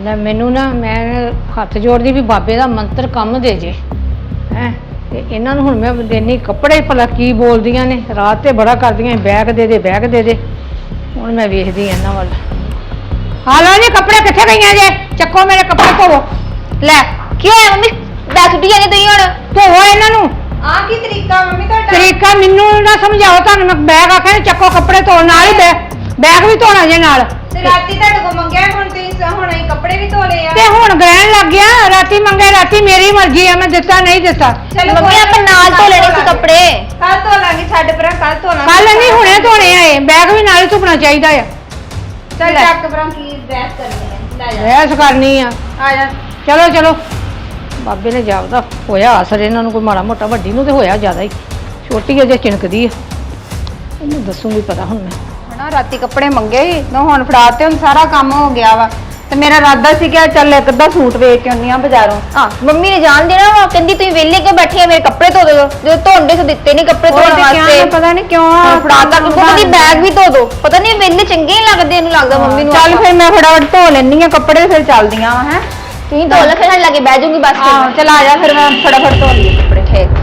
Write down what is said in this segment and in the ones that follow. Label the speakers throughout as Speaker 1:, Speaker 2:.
Speaker 1: ਲੈ ਮੈਨੂੰ ਨਾ ਮੈਂ ਹੱਥ ਜੋੜਦੀ ਵੀ ਬਾਬੇ ਦਾ ਮੰਤਰ ਕੰਮ ਦੇ ਜੇ ਹੈ ਤੇ ਇਹਨਾਂ ਨੂੰ ਹੁਣ ਮੈਂ ਦੇਣੀ ਕੱਪੜੇ ਭਲਾ ਕੀ ਬੋਲਦੀਆਂ ਨੇ ਰਾਤ ਤੇ ਬੜਾ ਕਰਦੀਆਂ ਬੈਗ ਦੇ ਦੇ ਬੈਗ ਦੇ ਦੇ ਹੁਣ ਮੈਂ ਵੇਖਦੀ ਇਹਨਾਂ ਵੱਲ ਹਾਲੋ ਜੀ ਕੱਪੜੇ ਕਿੱਥੇ ਗਈਆਂ ਜੇ ਚੱਕੋ ਮੇਰੇ ਕੱਪੜੇ ਧੋਵੋ ਲੈ
Speaker 2: ਕੀ ਹੋਇਆ ਮੰਮੀ ਦੱਸ ਡੀ ਜਾਂਦੇ ਤੁਸੀਂ ਹੁਣ
Speaker 1: ਧੋਵੋ ਇਹਨਾਂ ਨੂੰ
Speaker 3: ਆ ਕੀ ਤਰੀਕਾ ਮੰਮੀ ਤੁਹਾਡਾ
Speaker 1: ਤਰੀਕਾ ਮੈਨੂੰ ਨਾ ਸਮਝਾਓ ਤੁਹਾਨੂੰ ਮੈਂ ਬੈਗ ਆਖਿਆ ਚੱਕੋ ਕੱਪੜੇ ਧੋਣ ਨਾਲ ਹੀ ਬੈਗ ਵੀ ਧੋਣਾ ਜੇ ਨਾਲ
Speaker 3: ਤੇ ਰਾਤੀ ਤੁਹਾਡੇ ਕੋਲ ਮੰਗਿਆ ਹੁਣ ਤੁਸੀਂ ਹੁਣ ਅਸੀਂ ਕੱਪੜੇ ਵੀ ਧੋ ਲਏ ਆ
Speaker 1: ਤੇ ਹੁਣ ਗ੍ਰਹਿਣ ਲੱਗ ਗਿਆ ਰਾਤੀ ਮੰਗੇ ਰਾਤੀ ਮੇਰੀ ਮਰਜ਼ੀ ਆ ਮੈਂ ਦਿੱਤਾ ਨਹੀਂ ਦਿੱਤਾ
Speaker 3: ਚਲੋ
Speaker 2: ਮੰਮੀ ਆਪਾਂ ਨਾਲ ਧੋ ਲੈਣੇ ਸੀ ਕੱਪੜੇ
Speaker 3: ਕੱਲ ਧੋ ਲਾਂਗੇ ਛੱਡ ਪਰਾਂ ਕੱਲ ਧੋ ਲਾਂਗੇ
Speaker 1: ਕੱਲ ਨਹੀਂ ਹੁਣੇ ਧੋਣੇ ਆਏ ਬੈਗ ਵੀ ਨਾਲ ਹੀ ਧੁਪਣਾ ਚਾਹੀਦਾ ਆ
Speaker 3: ਚੱਲ ਚੱਕ ਪਰਾਂ ਕੀ ਡਰੈਸ ਕਰਨੀ ਹੈ ਲੈ ਜਾ
Speaker 1: ਰਹਿਸ ਕਰਨੀ ਆ
Speaker 3: ਆ ਜਾ
Speaker 1: ਚਲੋ ਚਲੋ ਬਾਬੇ ਨੇ ਜਾਪਦਾ ਹੋਇਆ ਅਸਰ ਇਹਨਾਂ ਨੂੰ ਕੋਈ ਮਾੜਾ ਮੋਟਾ ਵੱਡੀ ਨੂੰ ਤੇ ਹੋਇਆ ਜ਼ਿਆਦਾ ਹੀ ਛੋਟੀ ਅਜੇ ਚਿਣਕਦੀ ਆ ਇਹਨੂੰ ਦੱਸੂਗੀ ਪਤਾ ਹੁਣ ਮੈਂ
Speaker 3: ਹਣਾ ਰਾਤੀ ਕੱਪੜੇ ਮੰਗੇ ਸੀ ਨਾ ਹੁਣ ਫੜਾਤੇ ਹੁਣ ਸਾਰਾ ਕੰਮ ਹੋ ਗਿਆ ਵਾ ਤੇ ਮੇਰਾ ਇਰਾਦਾ ਸੀ ਕਿ ਚੱਲ ਇੱਕ ਅੱਧਾ ਸੂਟ ਵੇਚ ਕੇ ਆਉਣੀ ਆ ਬਾਜ਼ਾਰੋਂ
Speaker 2: ਹਾਂ ਮੰਮੀ ਨੇ ਜਾਣ ਦੇਣਾ ਵਾ ਕਹਿੰਦੀ ਤੁਸੀਂ ਵਿਹਲੇ ਕਿਉਂ ਬੈਠੇ ਆ ਮੇਰੇ ਕੱਪੜੇ ਧੋ ਦਿਓ ਜਦੋਂ ਧੋਂਦੇ ਸੋ ਦਿੱਤੇ ਨਹੀਂ ਕੱਪੜੇ ਧੋਣ ਵਾਸਤੇ
Speaker 3: ਪਤਾ ਨਹੀਂ ਕਿਉਂ
Speaker 2: ਫੜਾਤਾ ਕਿ ਕਹਿੰਦੀ ਬੈਗ ਵੀ ਧੋ ਦੋ ਪਤਾ ਨਹੀਂ ਵਿਹਲੇ ਚੰਗੇ ਹੀ ਲੱਗਦੇ ਇਹਨੂੰ ਲੱਗਦਾ ਮੰਮੀ ਨੂੰ
Speaker 3: ਚੱਲ ਫਿਰ ਮੈਂ ਫਟਾਫਟ ਧੋ ਲੈਣੀ ਆ ਕੱਪੜੇ ਫਿਰ ਚੱਲਦੀਆਂ ਵਾ ਹੈ
Speaker 2: ਤੁਸੀਂ ਧੋ ਲੈ ਫਿਰ ਸਾਡੇ ਲਾਗੇ ਬਹਿ ਜਾਊਂਗੀ ਬਸ
Speaker 3: ਹਾਂ ਚਲ ਆ ਜਾ ਫਿਰ ਮੈਂ ਫਟਾਫਟ ਧੋ ਲਈਏ ਕੱਪੜੇ
Speaker 2: ਠੀਕ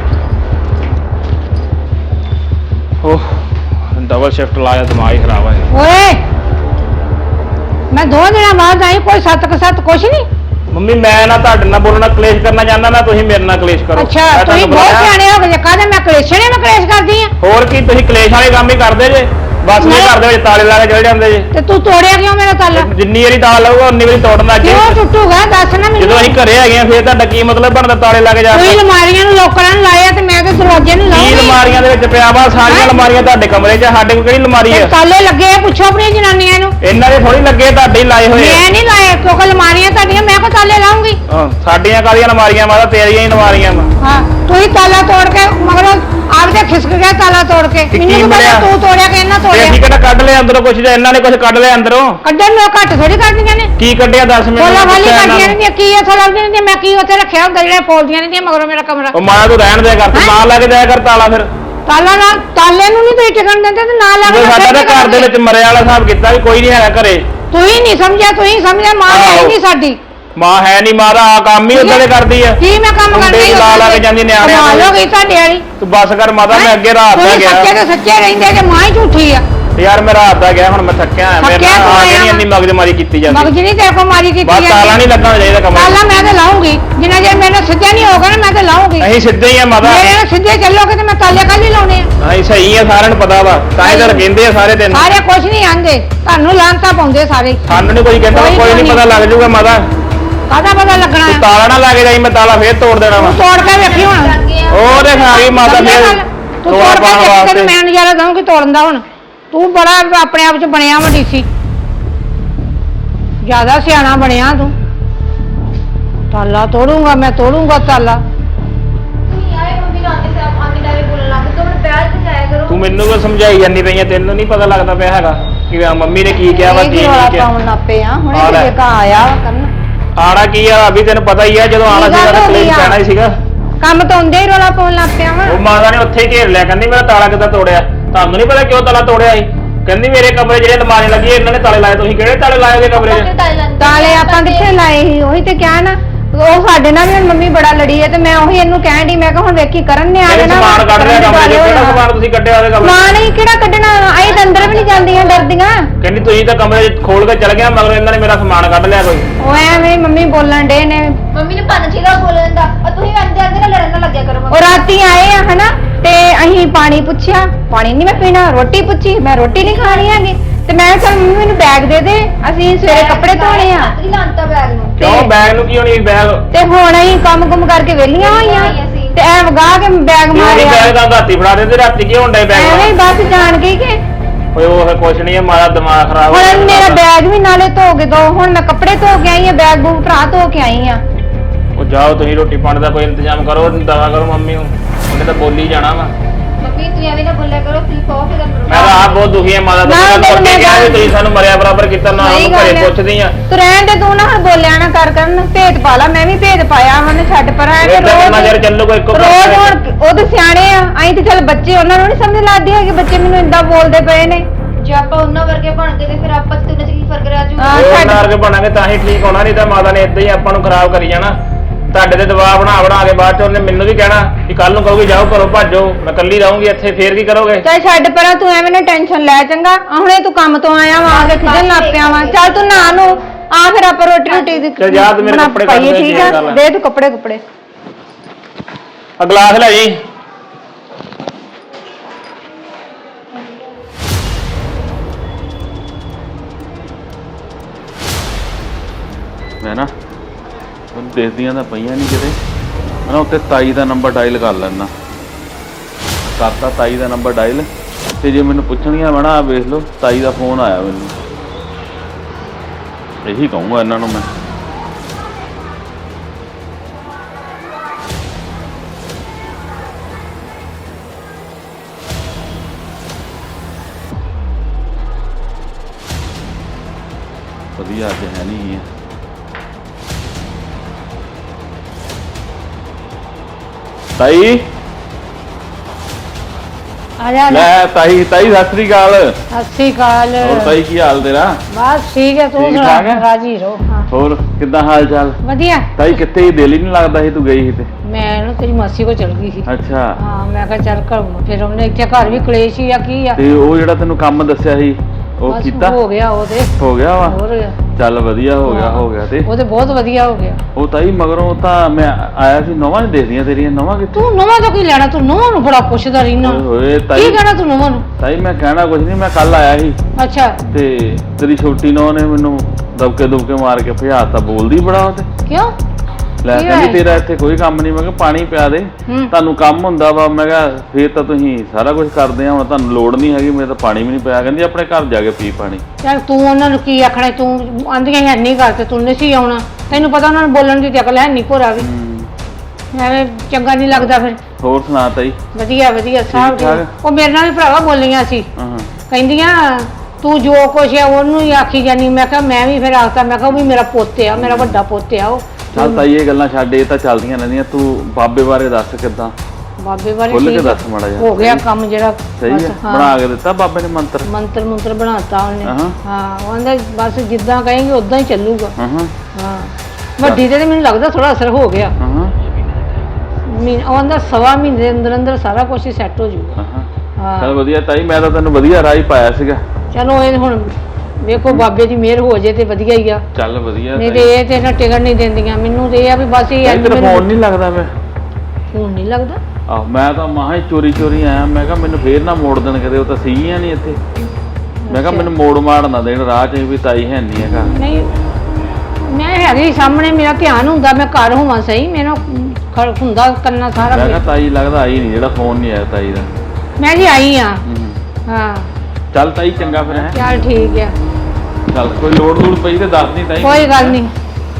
Speaker 4: ओह डबल शिफ्ट लाया दिमाग ही खराब है।
Speaker 1: ਓਏ ਮੈਂ 2 ਦਿਨਾਂ ਬਾਅਦ ਆਈ ਕੋਈ ਸੱਤ ਕੁਛ ਨਹੀਂ
Speaker 4: ਮੰਮੀ ਮੈਂ ਨਾ ਤੁਹਾਡੇ ਨਾਲ ਬੋਲਣਾ ਕਲੇਸ਼ ਕਰਨਾ ਚਾਹੁੰਦਾ ਨਾ ਤੁਸੀਂ ਮੇਰੇ ਨਾਲ ਕਲੇਸ਼ ਕਰੋ।
Speaker 1: ਅੱਛਾ
Speaker 4: ਮੈਂ
Speaker 1: ਤੁਸੀਂ
Speaker 4: ਤੁਹਾਨੂੰ
Speaker 1: ਬਹੁਤ
Speaker 4: ਬੁਲਾਇਆ।
Speaker 1: ਸਿਆਣੇ ਹੋ ਗਏ ਕਾਹਦੇ ਮੈਂ ਕਲੇਸ਼ ਕਰਦੀ ਆ
Speaker 4: ਹੋਰ ਕੀ ਤੁਸੀਂ ਕਲੇਸ਼ ਵਾਲੇ ਕੰਮ ਹੀ ਕਰਦੇ ਜੇ ਬਸ ਨਹੀਂ ਕਰਦੇ ਵਿੱਚ ਤਾਲੇ ਲਾ ਕੇ ਚਲੇ ਜਾਂਦੇ ਜੇ
Speaker 1: ਤੇ ਤੂੰ ਤੋੜਿਆ ਕਿਉਂ ਮੇਰਾ ਤਾਲਾ
Speaker 4: ਜਿੰਨੀ ਵਾਰੀ ਤਾਲਾ ਲਾਊਗਾ ਉਨੀ ਵਾਰੀ ਤੋੜਨ ਲੱਗ
Speaker 1: ਕਿਉਂ
Speaker 4: ਜਾਏ।
Speaker 1: ਟੁੱਟੂਗਾ ਦੱਸ ਨਾ ਮੈਨੂੰ
Speaker 4: ਜਦੋਂ ਅਸੀਂ ਘਰੇ ਹੈਗੇ ਆ ਫੇਰ ਤੁਹਾਡਾ ਕੀ ਮਤਲਬ ਬਣਦਾ ਤਾਲੇ ਲਾ ਕੇ ਜਾ
Speaker 1: ਕੋਈ ਅਲਮਾਰੀਆਂ ਨੂੰ ਲੋਕਾਂ ਨੂੰ ਲਾਇਆ ਤੇ ਮੈਂ ਤੇ ਦਰਵਾਜ਼ੇ ਨੂੰ
Speaker 4: ਕੀ
Speaker 1: ਲਾਉਂਗੀ
Speaker 4: ਅਲਮਾਰੀਆਂ ਦੇ ਵਿੱਚ ਪਿਆ ਵਾ ਸਾਰੀਆਂ ਅਲਮਾਰੀਆਂ ਤੁਹਾਡੇ ਕਮਰੇ 'ਚ ਸਾਡੇ ਕੋਲ ਕਿਹੜੀ ਅਲਮਾਰੀ
Speaker 1: ਤੇ
Speaker 4: ਆ
Speaker 1: ਤਾਲੇ ਲੱਗੇ ਆ ਪੁੱਛੋ ਆਪਣੀਆਂ ਜਨਾਨੀਆਂ ਨੂੰ
Speaker 4: ਇਹਨਾਂ ਦੇ ਥੋੜੀ ਲੱਗੇ ਤੁਹਾਡੇ ਹੀ ਲਾਏ ਹੋਏ
Speaker 1: ਮੈਂ ਨਹੀਂ ਲਾਏ ਕਿਉਂਕਿ ਅਲਮਾਰੀਆਂ ਤੁਹਾਡੀਆਂ ਮੈਂ ਕੋ ਤਾਲੇ ਲਾਉਂਗੀ
Speaker 4: ਆ ਸਾਡੀਆਂ ਕਾਹਦੀਆਂ ਅਲਮਾਰੀਆਂ ਮਾਤਾ ਤੇਰੀਆਂ ਹੀ ਅਲਮਾਰੀਆਂ ਵਾ
Speaker 1: ਹਾਂ ਤੁਸੀਂ ਤਾਲਾ ਤੋੜ ਕੇ ਮਗਰੋਂ ਆਪਦੇ ਖਿਸਕ ਗਿਆ ਤਾਲਾ ਤੋੜ ਕੇ
Speaker 4: ਕੀ
Speaker 1: ਮੈਨੂੰ ਪਤਾ
Speaker 4: ਮਿਲਿਆ?
Speaker 1: ਤੂੰ ਤੋੜਿਆ ਕਿ ਇਹਨਾਂ
Speaker 4: ਤੇ
Speaker 1: ਤੋੜਿਆ
Speaker 4: ਅਸੀਂ ਕਿਹੜਾ ਕੱਢ ਲਿਆ ਅੰਦਰੋਂ ਕੁਛ ਜਾਂ ਇਹਨਾਂ ਨੇ ਕੁਛ ਕੱਢ ਲਿਆ ਅੰਦਰੋਂ
Speaker 1: ਕੱਢਣ ਨੂੰ ਘੱਟ ਥੋੜੀ ਕਰਦੀਆਂ ਨੇ
Speaker 4: ਕੀ ਕੱਢਿਆ ਦੱਸ ਮੈਨੂੰ
Speaker 1: ਬੋਲਾ ਵਾਲੀ
Speaker 4: ਪੁੱਛਿਆ ਇਹਨਾਂ
Speaker 1: ਕਰਦੀਆਂ
Speaker 4: ਨੂੰ।
Speaker 1: ਨੇ ਕੀ ਇੱਥੇ ਲੱਭਦੀਆਂ ਨੇ ਮੈਂ ਕੀ ਉੱਥੇ ਰੱਖਿਆ ਹੁੰਦਾ ਜਿਹੜਾ ਫੋਲਦੀਆਂ ਨੇ ਮਗਰੋਂ ਮੇਰਾ ਕਮਰਾ
Speaker 4: ਉਹ ਮਾਇਆ ਤੂੰ ਰਹਿਣ ਦਿਆ ਕਰ ਤੂੰ ਨਾ ਲੱਗ ਜਾਇਆ ਕਰ ਤਾਲਾ ਫਿਰ
Speaker 1: ਤਾਲਾ ਨਾਲ ਤਾਲੇ ਨੂੰ ਨਹੀਂ ਤੁਸੀਂ ਟਿਕਣ ਦਿੰਦੇ ਤੇ ਨਾ ਲੱਗ
Speaker 4: ਜਦੋਂ ਸਾਡਾ ਤਾਂ ਘਰ ਦੇ ਵਿੱਚ ਮਰੇ ਵਾਲਾ ਹਿਸਾਬ ਕੀਤਾ ਵੀ ਕੋਈ ਨਹੀਂ ਹੈਗਾ ਘਰੇ
Speaker 1: ਤੂੰ ਹੀ ਨਹੀਂ ਸਮਝਿਆ ਮਾਂ ਹੈ
Speaker 4: ਆਹੋ।
Speaker 1: ਨਹੀਂ ਸਾਡੀ
Speaker 4: ਮਾਂ ਹੈ ਨਹੀਂ ਮਾਂ ਦਾ ਕੰਮ ਹੀ ਉਦਾਂ ਦੇ ਕਰਦੀ ਆ
Speaker 1: ਕੀ ਮੈਂ ਕੰਮ
Speaker 4: ਮੁੰਡੇ
Speaker 1: ਕਰਦੀ
Speaker 4: ਨੂੰ ਲਾ ਕੇ ਜਾਂਦੀ ਨਿਆਣਿਆਂ
Speaker 1: ਕਮਾਲ ਹੋ ਗਈ ਤੁਹਾਡੇ ਵਾਲੀ
Speaker 4: ਤੂੰ ਬੱਸ ਕਰ ਮਾਤਾ ਮੈਂ ਅੱਗੇ ਰਾਤ ਦਾ
Speaker 1: ਤੁਸੀਂ ਸੱਚੇ
Speaker 4: ਗਿਆ
Speaker 1: ਤੇ ਸੱਚੇ ਰਹਿੰਦੇ ਤੇ ਮਾਂ ਹੀ ਝੂਠੀ ਆ
Speaker 4: ਯਾਰ ਮੈਂ ਰਾਤ ਦਾ ਗਿਆ ਹੁਣ ਮੈਂ ਥੱਕਿਆ ਆ ਮੇਰੇ
Speaker 1: ਥੱਕਿਆ
Speaker 4: ਨਾਲ
Speaker 1: ਤੂੰ
Speaker 4: ਆ ਕੇ
Speaker 1: ਆਇਆ
Speaker 4: ਨਹੀਂ ਇੰਨੀ ਮਗਜਮਾਰੀ ਕੀਤੀ ਜਾਂਦੀ
Speaker 1: ਮਗਜ ਨਹੀਂ ਤੇਰੇ ਕੋ ਮਾਰੀ ਕੀਤੀ
Speaker 4: ਬਸ ਤਾਲਾ ਨਹੀਂ ਲੱਗਣਾ ਚਾਹੀਦਾ ਕਮਰੇ
Speaker 1: ਤਾਲਾ ਮੈਂ ਤੇ ਲਾਉਂਗੀ ਜਿੰਨਾ ਜੇ ਮੈਨੂੰ ਸਿੱਧਾ ਨਹੀਂ ਹੋਗਾ ਨਾ ਮੈਂ ਤੇ ਲਾਉਂਗੀ
Speaker 4: ਅਸੀਂ ਸਿੱਧੇ ਹੀ ਆ ਮਾਤਾ
Speaker 1: ਮੇਰੇ ਨਾਲ ਸਿੱਧੇ ਚੱਲੋਗੇ ਤੇ ਮੈਂ ਤਾਲੇ ਕੱਲ ਹੀ ਲਾਉਣੇ ਆ
Speaker 4: ਅਸੀਂ ਸਹੀ ਆ ਸਾਰਿਆਂ ਨੂੰ ਪਤਾ ਵਾ ਤਾਂ ਹੀ ਤਾਂ ਕਹਿੰਦੇ ਆ ਸਾਰੇ ਦਿਨ
Speaker 1: ਸਾਰੇ ਕੁਛ ਨਹੀਂ ਆਂਦੇ ਤੁਹਾਨੂੰ ਲਾਂਤਾ ਪਾਉਂਦੇ ਸਾਰੇ
Speaker 4: ਸਾਨੂੰ ਨਹੀਂ ਕੋਈ ਕਹਿੰਦਾ
Speaker 1: ਕੋਈ
Speaker 4: ਕੋਈ ਨਹੀਂ
Speaker 1: ਨਹੀਂ।
Speaker 4: ਪਤਾ ਲੱਗ ਜਾਊਗਾ ਮਾਤਾ
Speaker 1: ਕਾਹਦਾ ਪਤਾ ਲੱਗਣਾ
Speaker 4: ਤੂੰ
Speaker 1: ਆ
Speaker 4: ਤਾਲਾ ਨਾ ਲਾ ਕੇ ਜਾਈ ਮੈਂ ਤਾਲਾ ਫੇਰ ਤੋੜ ਦੇਣਾ ਵਾ
Speaker 1: ਤੂੰ ਤੋੜ ਕੇ ਵੇਖੀ ਹੁਣ
Speaker 4: ਉਹ ਦੇਖ ਆ ਗਈ ਮਾਤਾ
Speaker 1: ਸਮਝਿਆ
Speaker 4: ਫੇਰ
Speaker 1: ਗੱਲ? ਤੂੰ ਤੋੜ ਕੇ ਵੇਖ ਤੈਨੂੰ ਮੈਂ ਨਜ਼ਾਰਾ ਦਊਂਗੀ ਤੋੜਨ ਦਾ ਹੁਣ ਤੂੰ ਬੜਾ ਆਪਣੇ ਆਪ ਚ ਬਣਿਆ ਵਾ ਡੀਸੀ ਜ਼ਿਆਦਾ ਸਿਆਣਾ ਬਣਿਆ ਤੂੰ ਤਾਲਾ ਤੋੜੂੰਗਾ ਮੈਂ ਤੋੜੂੰਗਾ ਤਾਲਾ
Speaker 2: ਤੁਸੀਂ ਆਏ ਮੰਮੀ ਨਾਲ ਆਂਦੇ ਆਂਦੇ ਦਾ ਵੀ ਬੋਲਣ ਲੱਗ ਤੂੰ ਮੈਨੂੰ ਪਿਆਰ ਤੇ ਜਾਇਆ ਕਰੋ
Speaker 4: ਤੂੰ ਮੈਨੂੰ ਕੋ ਸਮਝਾਈ ਜਾਂਦੀ ਪਈ ਆ ਤੈਨੂੰ ਨਹੀਂ ਪਤਾ ਲੱਗਦਾ ਪਿਆ ਹੈਗਾ ਕਿ ਆ ਮੰਮੀ ਨੇ ਕੀ ਕਿਹਾ ਵਾ ਕੀ ਨਹੀਂ ਕਿਹਾ
Speaker 3: ਪਾਉਣ ਲੱਪੇ ਆ ਹੁਣੇ
Speaker 4: ਆ ਲੈ।
Speaker 3: ਤੇ ਕਾ ਆਇਆ ਵਾ ਕਰਨ
Speaker 4: ਆਣਾ ਕੀ ਆ ਅਭੀ ਤੈਨੂੰ ਪਤਾ ਹੀ ਆ ਜਦੋਂ ਆਣਾ
Speaker 3: ਕੀ
Speaker 4: ਸੀਗਾ
Speaker 3: ਗੱਲ
Speaker 4: ਤਾਂ
Speaker 3: ਹੋ ਗਈ
Speaker 4: ਕਲੇਸ਼
Speaker 3: ਆ?
Speaker 4: ਪੈਣਾ ਹੀ ਸੀਗਾ
Speaker 3: ਕੰਮ ਤਾਂ ਹੁੰਦੇ ਹੀ ਰੋਲਾ ਪਾਉਣ ਲੱਪਿਆ ਵਾ
Speaker 4: ਉਹ ਮਾਤਾ ਨੇ ਉੱਥੇ ਹੀ ਘੇਰ ਲਿਆ ਕਹਿੰਦੀ ਮੇਰਾ ਤਾਲਾ ਕਿੱਦਾਂ ਤੋੜਿਆ ਤੁਹਾਨੂੰ ਨਹੀਂ ਪਤਾ ਕਿਉਂ ਤਾਲਾ ਤੋੜਿਆ ਸੀ ਕਹਿੰਦੀ ਮੇਰੇ ਕਮਰੇ ਜਿਹੜੇ ਅਲਮਾਰੀ ਲੱਗੀ ਇਹਨਾਂ ਨੇ ਤਾਲੇ ਲਾਏ ਤੁਸੀਂ ਕਿਹੜੇ ਤਾਲੇ ਲਾਏ ਉਹਦੇ ਕਮਰੇ 'ਚ
Speaker 3: ਤਾਲੇ ਆਪਾਂ ਕਿੱਥੇ ਲਾਏ ਸੀ ਉਹੀ ਤੇ ਕਿਹਾ ਨਾ ਉਹ ਸਾਡੇ ਨਾਲ ਵੀ ਹੁਣ ਮੰਮੀ ਬੜਾ ਲੜੀ ਹੈ ਤੇ ਮੈਂ ਉਹੀ ਇਹਨੂੰ ਕਹਿਣ ਦੀ ਮੈਂ ਕਿਹਾ ਹੁਣ ਵੇਖੀ ਕਰਨ ਨੇ ਆ
Speaker 4: ਕਿਹੜੇ
Speaker 3: ਜਾਣਾ
Speaker 4: ਸਮਾਨ ਕੱਢ ਲਿਆ ਕਮਰੇ 'ਚ ਕਿਹੜਾ ਸਮਾਨ ਤੁਸੀਂ ਕੱਢਿਆ ਉਹਦੇ ਕਮਰੇ 'ਚ
Speaker 3: ਮਾਂ ਨਹੀਂ ਕਿਹੜਾ ਕੱਢਣਾ ਆਈ ਤਾਂ ਅੰਦਰ ਵੀ ਨਹੀਂ ਜਾਂਦੀਆਂ ਡਰਦੀਆਂ
Speaker 4: ਕਹਿੰਦੀ ਤੁਸੀਂ ਤਾਂ ਕਮਰੇ 'ਚ ਖੋਲ ਕੇ ਚਲ ਗਿਆ ਮਗਰ ਇਹਨਾਂ ਨੇ ਮੇਰਾ ਸਮਾਨ ਕੱਢ ਲਿਆ ਕੋਈ
Speaker 3: ਉਹ ਐਵੇਂ ਮੰਮੀ ਬੋਲਣ ਡੇ ਨੇ
Speaker 2: ਮੰਮੀ ਨੇ ਪੰਨ ਚੀਰਾ ਬੋਲਣ ਦਾ ਔਰ ਤੁਸੀਂ ਅੰਦੇ ਅੰਦੇ ਨਾਲ ਲੜਨ ਲੱਗਿਆ ਕਰੋ
Speaker 3: ਉਹ ਰਾਤੀ ਆਏ ਆ ਹਨਾ ਤੇ ਅਸੀਂ ਪਾਣੀ ਪੁੱਛਿਆ ਪਾਣੀ ਨਹੀਂ ਮੈਂ ਪੀਣਾ ਰੋਟੀ ਪੁੱਛੀ ਮੈਂ ਰੋਟੀ ਨਹੀਂ ਖਾਣੀ ਹੈਗੀ ਤੇ ਮੈਂ ਕਿਹਾ ਮੰਮੀ ਮੈਨੂੰ ਬੈਗ ਦੇ ਦੇ ਅਸੀਂ ਸਵੇਰੇ ਕੱਪੜੇ ਧੋਣੇ ਆ
Speaker 2: ਹੱਥ ਹੀ ਲਾਂਤਾ ਬੈਗ ਨੂੰ
Speaker 4: ਕਿਉਂ ਬੈਗ ਨੂੰ ਕੀ ਹੋਣੀ ਬੈਗ
Speaker 3: ਤੇ ਹੁਣ ਅਸੀਂ ਕੰਮ ਕੁਮ ਕਰਕੇ ਵਿਹਲੀਆਂ ਹੋਈਆਂ ਤੇ ਐ ਵਗਾ ਕੇ ਬੈਗ
Speaker 4: ਕਿਉਂ ਨਹੀਂ
Speaker 3: ਮਾਰਿਆ
Speaker 4: ਬੈਗ ਦਾ ਰਾਤੀ ਫੜਾ ਦੇ ਤੇ ਰਾਤੀ ਕੀ ਹੁੰਦਾ ਬੈਗ
Speaker 3: ਐਵੇਂ ਹੀ ਬਸ ਜਾਣ ਗਈ ਕਿ
Speaker 4: ਓਏ ਉਹ ਕੁਛ ਨਹੀਂ ਹੈ ਮਾਰਾ ਦਿਮਾਗ ਖਰਾਬ ਹੋ
Speaker 3: ਹੁਣ ਮੇਰਾ ਬੈਗ ਵੀ ਨਾਲੇ ਧੋ ਕੇ ਦੋ ਹੁਣ ਮੈਂ ਕੱਪੜੇ ਧੋ ਕੇ ਆਈ ਆ ਬੈਗ ਬੂਗ ਭਰਾ ਧੋ ਕੇ ਆਈ ਆ
Speaker 4: ਉਹ ਜਾਓ ਤੁਸੀਂ ਰੋਟੀ ਪਾਣੀ ਦਾ ਕੋਈ ਇੰਤਜ਼ਾਮ ਕਰੋ ਦਵਾ ਕਰੋ ਮੰਮੀ ਨੂੰ ਉਹਨੇ ਤਾਂ ਬੋਲੀ ਜਾਣਾ ਵਾ
Speaker 2: ਮੰਮੀ ਤੂੰ ਐਵੇਂ ਨਾ ਬੋਲਿਆ ਕਰੋ ਫੀਲ ਪਾਓ ਫਿਰ
Speaker 4: ਮੈਂ ਤਾਂ ਆਪ ਬਹੁਤ ਦੁਖੀ ਹਾਂ ਮਾਤਾ ਤੋਂ
Speaker 3: ਨਾ,
Speaker 4: ਗੱਲ ਕਰਕੇ
Speaker 3: ਮੈਂ
Speaker 4: ਕਿਹਾ ਵੀ ਤੁਸੀਂ ਸਾਨੂੰ ਮਰਿਆ ਬਰਾਬਰ ਕੀਤਾ ਨਾ
Speaker 3: ਸਹੀ
Speaker 4: ਉਹਨੂੰ ਘਰੇ
Speaker 3: ਗੱਲ ਹੈ।
Speaker 4: ਪੁੱਛਦੀ ਆ
Speaker 3: ਤੂੰ ਰਹਿਣ ਦੇ ਤੂੰ ਨਾ ਹੁਣ ਬੋਲਿਆ ਨਾ ਕਰਨ ਭੇਦ ਪਾ ਲਾ ਮੈਂ ਵੀ ਭੇਦ ਪਾਇਆ ਉਹਨੇ ਛੱਡ ਪਰ ਐਵੇਂ
Speaker 4: ਏਦਾਂ ਕਿੰਨਾ ਚਿਰ ਚੱਲੂਗਾ ਇੱਕੋ
Speaker 3: ਰੋਜ਼ ਹੁਣ ਉਹ ਤੇ ਸਿਆਣੇ ਆ ਅਸੀਂ ਤੇ ਚੱਲ ਬੱਚੇ ਉਹਨਾਂ ਨੂੰ ਨਹੀਂ ਸਮਝ ਲੱਗਦੀ ਹੈ ਕਿ ਬੱਚੇ ਮੈਨੂੰ ਇੰਦਾ ਬੋਲਦੇ ਪਏ ਨੇ
Speaker 2: ਜੇ ਆਪਾਂ ਉਹਨਾਂ ਵਰਗੇ ਬਣ ਕੇ ਤੇ ਫਿਰ ਆਪਾਂ ਚ ਤੇ ਕੀ ਫਰਕ ਰਹਿ ਜੂਗਾ।
Speaker 4: ਉਹ ਨਾਰ ਕੇ ਬਣਾਂਗੇ ਤਾਂ ਹੀ ਠੀਕ ਹੋਣਾ, ਨਹੀਂ ਤਾਂ ਮਾਤਾ ਨੇ ਇਦਾਂ ਹੀ ਆਪਾਂ ਨੂੰ ਖਰਾਬ ਕਰੀ ਜਾਣਾ। ਤੁਹਾਡੇ ਤੇ ਦਬਾਅ ਬਣਾ ਕੇ ਬਾਅਦ ਚ ਉਹਨੇ ਮੈਨੂੰ ਵੀ ਕਹਿਣਾ ਕਿ ਕੱਲ ਨੂੰ ਕਹੋਗੇ ਜਾਓ ਘਰੋਂ ਭੱਜੋ, ਮੈਂ ਇਕੱਲੀ ਰਹੂੰਗੀ ਇੱਥੇ, ਫੇਰ ਕੀ ਕਰੋਗੇ?
Speaker 3: ਚੱਲ ਛੱਡ ਪਰਾਂ, ਤੂੰ ਐਵੇਂ ਨਾ ਟੈਨਸ਼ਨ ਲੈ ਚੰਗਾ। ਹੁਣੇ ਤੂੰ ਕੰਮ ਤੋਂ ਆਇਆ ਵਾ, ਆ ਕੇ ਖਿਜਣ ਲੱਗ ਪਿਆ ਵਾ। ਚੱਲ ਤੂੰ ਨਹਾ ਨੂੰ ਆ, ਫਿਰ ਆਪਾਂ ਰੋਟੀ ਦੀ
Speaker 4: ਚੱਲ ਜਾ ਤੂੰ ਮੇਰੇ ਕੱਪੜੇ ਕੱਢ ਦੇ,
Speaker 3: ਠੀਕ ਆ, ਦੇ ਤੂੰ ਕੱਪੜੇ।
Speaker 4: ਆ ਗਲਾਸ ਲੈ ਜੀ।
Speaker 5: ਮੈਂ ਨਾ ਉਹ ਦੇਖਦੀਆਂ ਤਾਂ ਪਈਆਂ ਨਹੀਂ ਕਿਤੇ, ਮੈਂ ਨਾ ਉੱਤੇ ਤਾਈ ਦਾ ਨੰਬਰ ਡਾਇਲ ਕਰ ਲੈਣਾ। ਕਰਤਾ ਤਾਈ ਦਾ ਨੰਬਰ ਡਾਇਲ, ਤੇ ਜੇ ਮੈਨੂੰ ਪੁੱਛਣਗੀਆਂ ਮੈਂ ਨਾ ਵੇਖ ਲਓ ਤਾਈ ਦਾ ਫੋਨ ਆਇਆ ਮੈਨੂੰ, ਇਹੀ ਕਹੂੰਗਾ ਇਹਨਾਂ ਨੂੰ ਮੈਂ। ਵਧੀਆ ਅੱਜ ਹੈ ਨਹੀਂ ਹੈ। ਤਾਈ
Speaker 1: ਆ ਜਾ
Speaker 5: ਲੈ ਤਾਈ ਸਤਿ ਸ੍ਰੀ ਅਕਾਲ।
Speaker 1: ਸਤਿ ਸ਼੍ਰੀ ਅਕਾਲ।
Speaker 5: ਹੋਰ ਤਾਈ ਕੀ ਹਾਲ ਤੇਰਾ?
Speaker 1: ਬਸ ਠੀਕ ਹੈ, ਤੂੰ
Speaker 5: ਠੀਕ
Speaker 1: ਸੁਣਾ,
Speaker 5: ਠਾਕ ਹੈ?
Speaker 1: ਰਾਜੀ ਰਹੋ। ਹਾਂ
Speaker 5: ਹੋਰ ਕਿੱਦਾਂ ਹਾਲ ਚਾਲ?
Speaker 1: ਵਧੀਆ।
Speaker 5: ਤਾਈ ਕਿੱਥੇ ਹੀ ਦਿਲ ਹੀ ਨਹੀਂ ਲੱਗਦਾ ਸੀ, ਤੂੰ ਗਈ ਸੀ ਤੇ।
Speaker 1: ਮੈਂ ਨਾ ਤੇਰੀ ਮਾਸੀ ਕੋਲ ਚਲ ਗਈ ਸੀ।
Speaker 5: ਅੱਛਾ,
Speaker 1: ਹਾਂ ਮੈਂ ਕਿਹਾ ਚੱਲ ਘਰ, ਫਿਰ ਉਹਨੇ ਇੱਥੇ ਘਰ ਵੀ ਕਲੇਸ਼ ਹੀ ਆ ਕੀ ਆ।
Speaker 5: ਤੇ ਉਹ ਜਿਹੜਾ ਤੈਨੂੰ ਕੰਮ ਦੱਸਿਆ ਸੀ ਉਹ
Speaker 1: ਬਸ
Speaker 5: ਕੀਤਾ?
Speaker 1: ਹੋ ਗਿਆ ਉਹਦੇ।
Speaker 5: ਹੋ ਗਿਆ ਵਾ?
Speaker 1: ਹੋਰ ਗਿਆ।
Speaker 5: ਚੱਲ ਵਧੀਆ ਹੋ ਗਿਆ,
Speaker 1: ਹਾਂ।
Speaker 5: ਹੋ ਗਿਆ। ਤੇ
Speaker 1: ਉਹਦੇ ਬਹੁਤ ਵਧੀਆ ਹੋ ਗਿਆ।
Speaker 5: ਉਹ ਤਾਈ ਮਗਰੋਂ ਤਾਂ ਮੈਂ ਆਇਆ ਸੀ, ਨਵਾਂ ਨਹੀਂ ਦੇਖਦੀਆਂ ਤੇਰੀਆਂ, ਨਵਾਂ ਕਿੱਥੇ?
Speaker 1: ਤੂੰ ਨਵਾਂ ਤੋਂ ਕੀ ਲੈਣਾ, ਤੂੰ ਨਵਾਂ ਨੂੰ ਬੜਾ ਪੁੱਛਦਾ ਰਹਿਣਾ।
Speaker 5: ਓਏ
Speaker 1: ਕੀ
Speaker 5: ਤਾਈ,
Speaker 1: ਕਹਿਣਾ ਤੂੰ ਨਵਾਂ ਨੂੰ?
Speaker 5: ਤਾਈ ਮੈਂ ਕਹਿਣਾ ਕੁਝ ਨਹੀਂ, ਮੈਂ ਕੱਲ ਆਇਆ ਸੀ
Speaker 1: ਅੱਛਾ
Speaker 5: ਤੇ ਤੇਰੀ ਛੋਟੀ ਨੂੰਹ ਨੇ ਮੈਨੂੰ ਦਬਕੇ ਮਾਰ ਕੇ ਭਜਾਤਾ, ਬੋਲਦੀ ਬੜਾ ਉਹ ਤੇ।
Speaker 1: ਕਿਉਂ?
Speaker 5: ਲੈ
Speaker 1: ਕੀ
Speaker 5: ਕਹਿੰਦੀ
Speaker 1: ਹੋਇਆ?
Speaker 5: ਤੇਰਾ ਇੱਥੇ ਕੋਈ ਕੰਮ ਨਹੀਂ। ਮੈਂ ਕਿਹਾ ਪਾਣੀ ਪਿਆ ਦੇ,
Speaker 1: ਹੂੰ।
Speaker 5: ਤੁਹਾਨੂੰ ਕੰਮ ਹੁੰਦਾ ਵਾ। ਮੈਂ ਕਿਹਾ ਫੇਰ ਤਾਂ ਤੁਸੀਂ ਸਾਰਾ ਕੁਝ ਕਰਦੇ ਆ, ਹੁਣ ਤੁਹਾਨੂੰ ਲੋੜ ਨਹੀਂ ਹੈਗੀ, ਮੇਰੇ ਤਾਂ ਪਾਣੀ ਵੀ ਨਹੀਂ ਪਿਆ। ਕਹਿੰਦੀ ਆਪਣੇ ਘਰ ਜਾ ਕੇ ਪੀ ਪਾਣੀ।
Speaker 1: ਯਾਰ ਤੂੰ ਉਹਨਾਂ ਨੂੰ ਕੀ ਆਖਣਾ, ਤੂੰ ਆਂਦੀਆਂ ਹੈ ਨਹੀਂ ਘਰ ਤੇ ਤੂੰ ਨਹੀਂ ਸੀ ਆਉਣਾ। ਤੈਨੂੰ ਪਤਾ ਉਹਨਾਂ ਨੂੰ ਬੋਲਣ ਦੀ ਅਕਲ ਹੈ ਨਹੀਂ ਭੋਰਾ ਵੀ। ਐਵੇਂ ਚੰਗਾ ਨਹੀਂ ਲੱਗਦਾ ਫਿਰ।
Speaker 5: ਹੋਰ ਸੁਣਾ ਤਾਈ?
Speaker 1: ਵਧੀਆ ਸਭ
Speaker 5: ਠਾਕ?
Speaker 1: ਠੀਕ। ਉਹ ਮੇਰੇ ਨਾਲ ਵੀ ਭਰਾਵਾ ਬੋਲੀਆਂ ਸੀ,
Speaker 5: ਹਾਂ
Speaker 1: ਕਹਿੰਦੀਆਂ ਤੂੰ ਜੋ ਕੁਛ ਆ ਉਹਨੂੰ ਹੀ ਆਖੀ ਜਾਨੀ। ਮੈਂ ਕਿਹਾ ਮੈਂ ਵੀ ਫਿਰ ਆਖਤਾ, ਮੈਂ ਕਿਹਾ ਉਹ ਵੀ ਮੇਰਾ ਪੁੱਤ ਆ, ਮੇਰਾ ਵੱਡਾ ਪੁੱਤ ਆ ਉਹ।
Speaker 5: ਚੱਲ ਤਾਈ ਇਹ ਗੱਲਾਂ ਛੱਡ, ਇਹ ਤਾਂ ਚੱਲਦੀਆਂ ਰਹਿੰਦੀਆਂ। ਤੂੰ ਬਾਬੇ ਬਾਰੇ ਦੱਸ, ਕਿੱਦਾਂ
Speaker 1: ਬਾਬੇ ਬਾਰੇ
Speaker 5: ਖੁੱਲ ਕੇ
Speaker 1: ਠੀਕ ਆ।
Speaker 5: ਦੱਸ ਮਾੜਾ ਜਿਹਾ।
Speaker 1: ਹੋ ਗਿਆ ਕੰਮ ਜਿਹੜਾ।
Speaker 5: ਸਹੀ
Speaker 1: ਬਸ,
Speaker 5: ਹੈ,
Speaker 1: ਹਾਂ।
Speaker 5: ਬਣਾ ਕੇ ਦਿੱਤਾ ਬਾਬੇ ਨੇ ਮੰਤਰ?
Speaker 1: ਮੰਤਰ ਬਣਾਤਾ ਉਹਨੇ।
Speaker 5: ਹਾਂ।
Speaker 1: ਹਾਂ ਉਹ ਕਹਿੰਦਾ ਬਸ ਜਿੱਦਾਂ ਕਹੇਂਗੇ ਉਦਾਂ ਹੀ ਚੱਲੂਗਾ।
Speaker 5: ਹਾਂ
Speaker 1: ਹਾਂ ਵੱਡੀ ਤੇ ਮੈਨੂੰ ਲੱਗਦਾ ਥੋੜਾ ਅਸਰ ਹੋ ਗਿਆ।
Speaker 5: ਹਾਂ
Speaker 1: ਉਹ ਕਹਿੰਦਾ ਸਵਾ ਮਹੀਨੇ ਦੇ ਅੰਦਰ ਸਾਰਾ ਕੁਝ ਹੀ ਸੈੱਟ ਹੋ ਜਾਊਗਾ।
Speaker 5: ਹਾਂ ਚੱਲ
Speaker 1: ਹਾਂ
Speaker 5: ਵਧੀਆ ਤਾਈ, ਮੈਂ ਤਾਂ ਤੈਨੂੰ ਵਧੀਆ ਰਾਹ ਹੀ ਪਾਇਆ ਸੀਗਾ।
Speaker 1: ਚਲੋ ਇਹ ਹੁਣ ਵੇਖੋ ਬਾਬੇ ਦੀ ਮਿਹਰ ਹੋ ਜੇ ਤੇ ਵਧੀਆ ਹੀ ਆ।
Speaker 5: ਚੱਲ ਵਧੀਆ
Speaker 1: ਨਹੀਂ ਤੇ ਇਹ ਤੇ ਨਾ ਟਿਕਣ ਨਹੀਂ ਦਿੰਦੀਆਂ ਮੈਨੂੰ। ਤੇ ਇਹ ਆ ਵੀ ਬਸ ਇਹ
Speaker 5: ਤੇਰਾ ਫੋਨ ਨਹੀਂ ਲੱਗਦਾ? ਮੈਂ
Speaker 1: ਫੋਨ ਨਹੀਂ ਲੱਗਦਾ।
Speaker 5: ਆਹ ਮੈਂ ਤਾਂ ਮਾਂ ਹੀ ਚੋਰੀ ਆਇਆ। ਮੈਂ ਕਿਹਾ ਮੈਨੂੰ ਫੇਰ ਨਾ ਮੋੜ ਦੇਣ ਕਿਤੇ, ਉਹ ਤਾਂ ਸੀਗੀਆਂ ਨਹੀਂ ਇੱਥੇ। ਮੈਂ ਕਿਹਾ ਮੈਨੂੰ ਮੋੜ ਮਾਰ ਨਾ ਦੇਣ ਰਾਹ 'ਚ ਵੀ ਤਾਈ ਹੈ ਨਹੀਂ ਹੈਗਾ।
Speaker 1: ਨਹੀਂ ਮੈਂ ਹੈਗੀ ਸਾਹਮਣੇ, ਮੇਰਾ ਧਿਆਨ ਹੁੰਦਾ ਮੈਂ ਘਰ ਹੋਵਾਂ ਸਹੀ, ਮੈਨੂੰ ਹੁੰਦਾ ਕਰਨਾ ਸਾਰਾ
Speaker 5: ਮੈਂ
Speaker 1: ਕੁਝ।
Speaker 5: ਕਿਹਾ ਤਾਈ ਲੱਗਦਾ ਆਈ ਨਹੀਂ, ਜਿਹੜਾ ਫੋਨ ਨਹੀਂ ਆਇਆ ਤਾਈ ਦਾ।
Speaker 1: ਮੈਂ ਜੀ ਆਈ ਆ। ਹਾਂ
Speaker 5: ਚੱਲ ਤਾਈ ਚੰਗਾ ਫਿਰ ਹੈ।
Speaker 1: ਚੱਲ ਠੀਕ ਆ,
Speaker 5: ਚੱਲ ਕੋਈ ਲੋੜ ਪਈ ਤੇ ਦੱਸ ਦੀ ਤਾਈ।
Speaker 1: ਕੋਈ ਗੱਲ ਨਹੀਂ।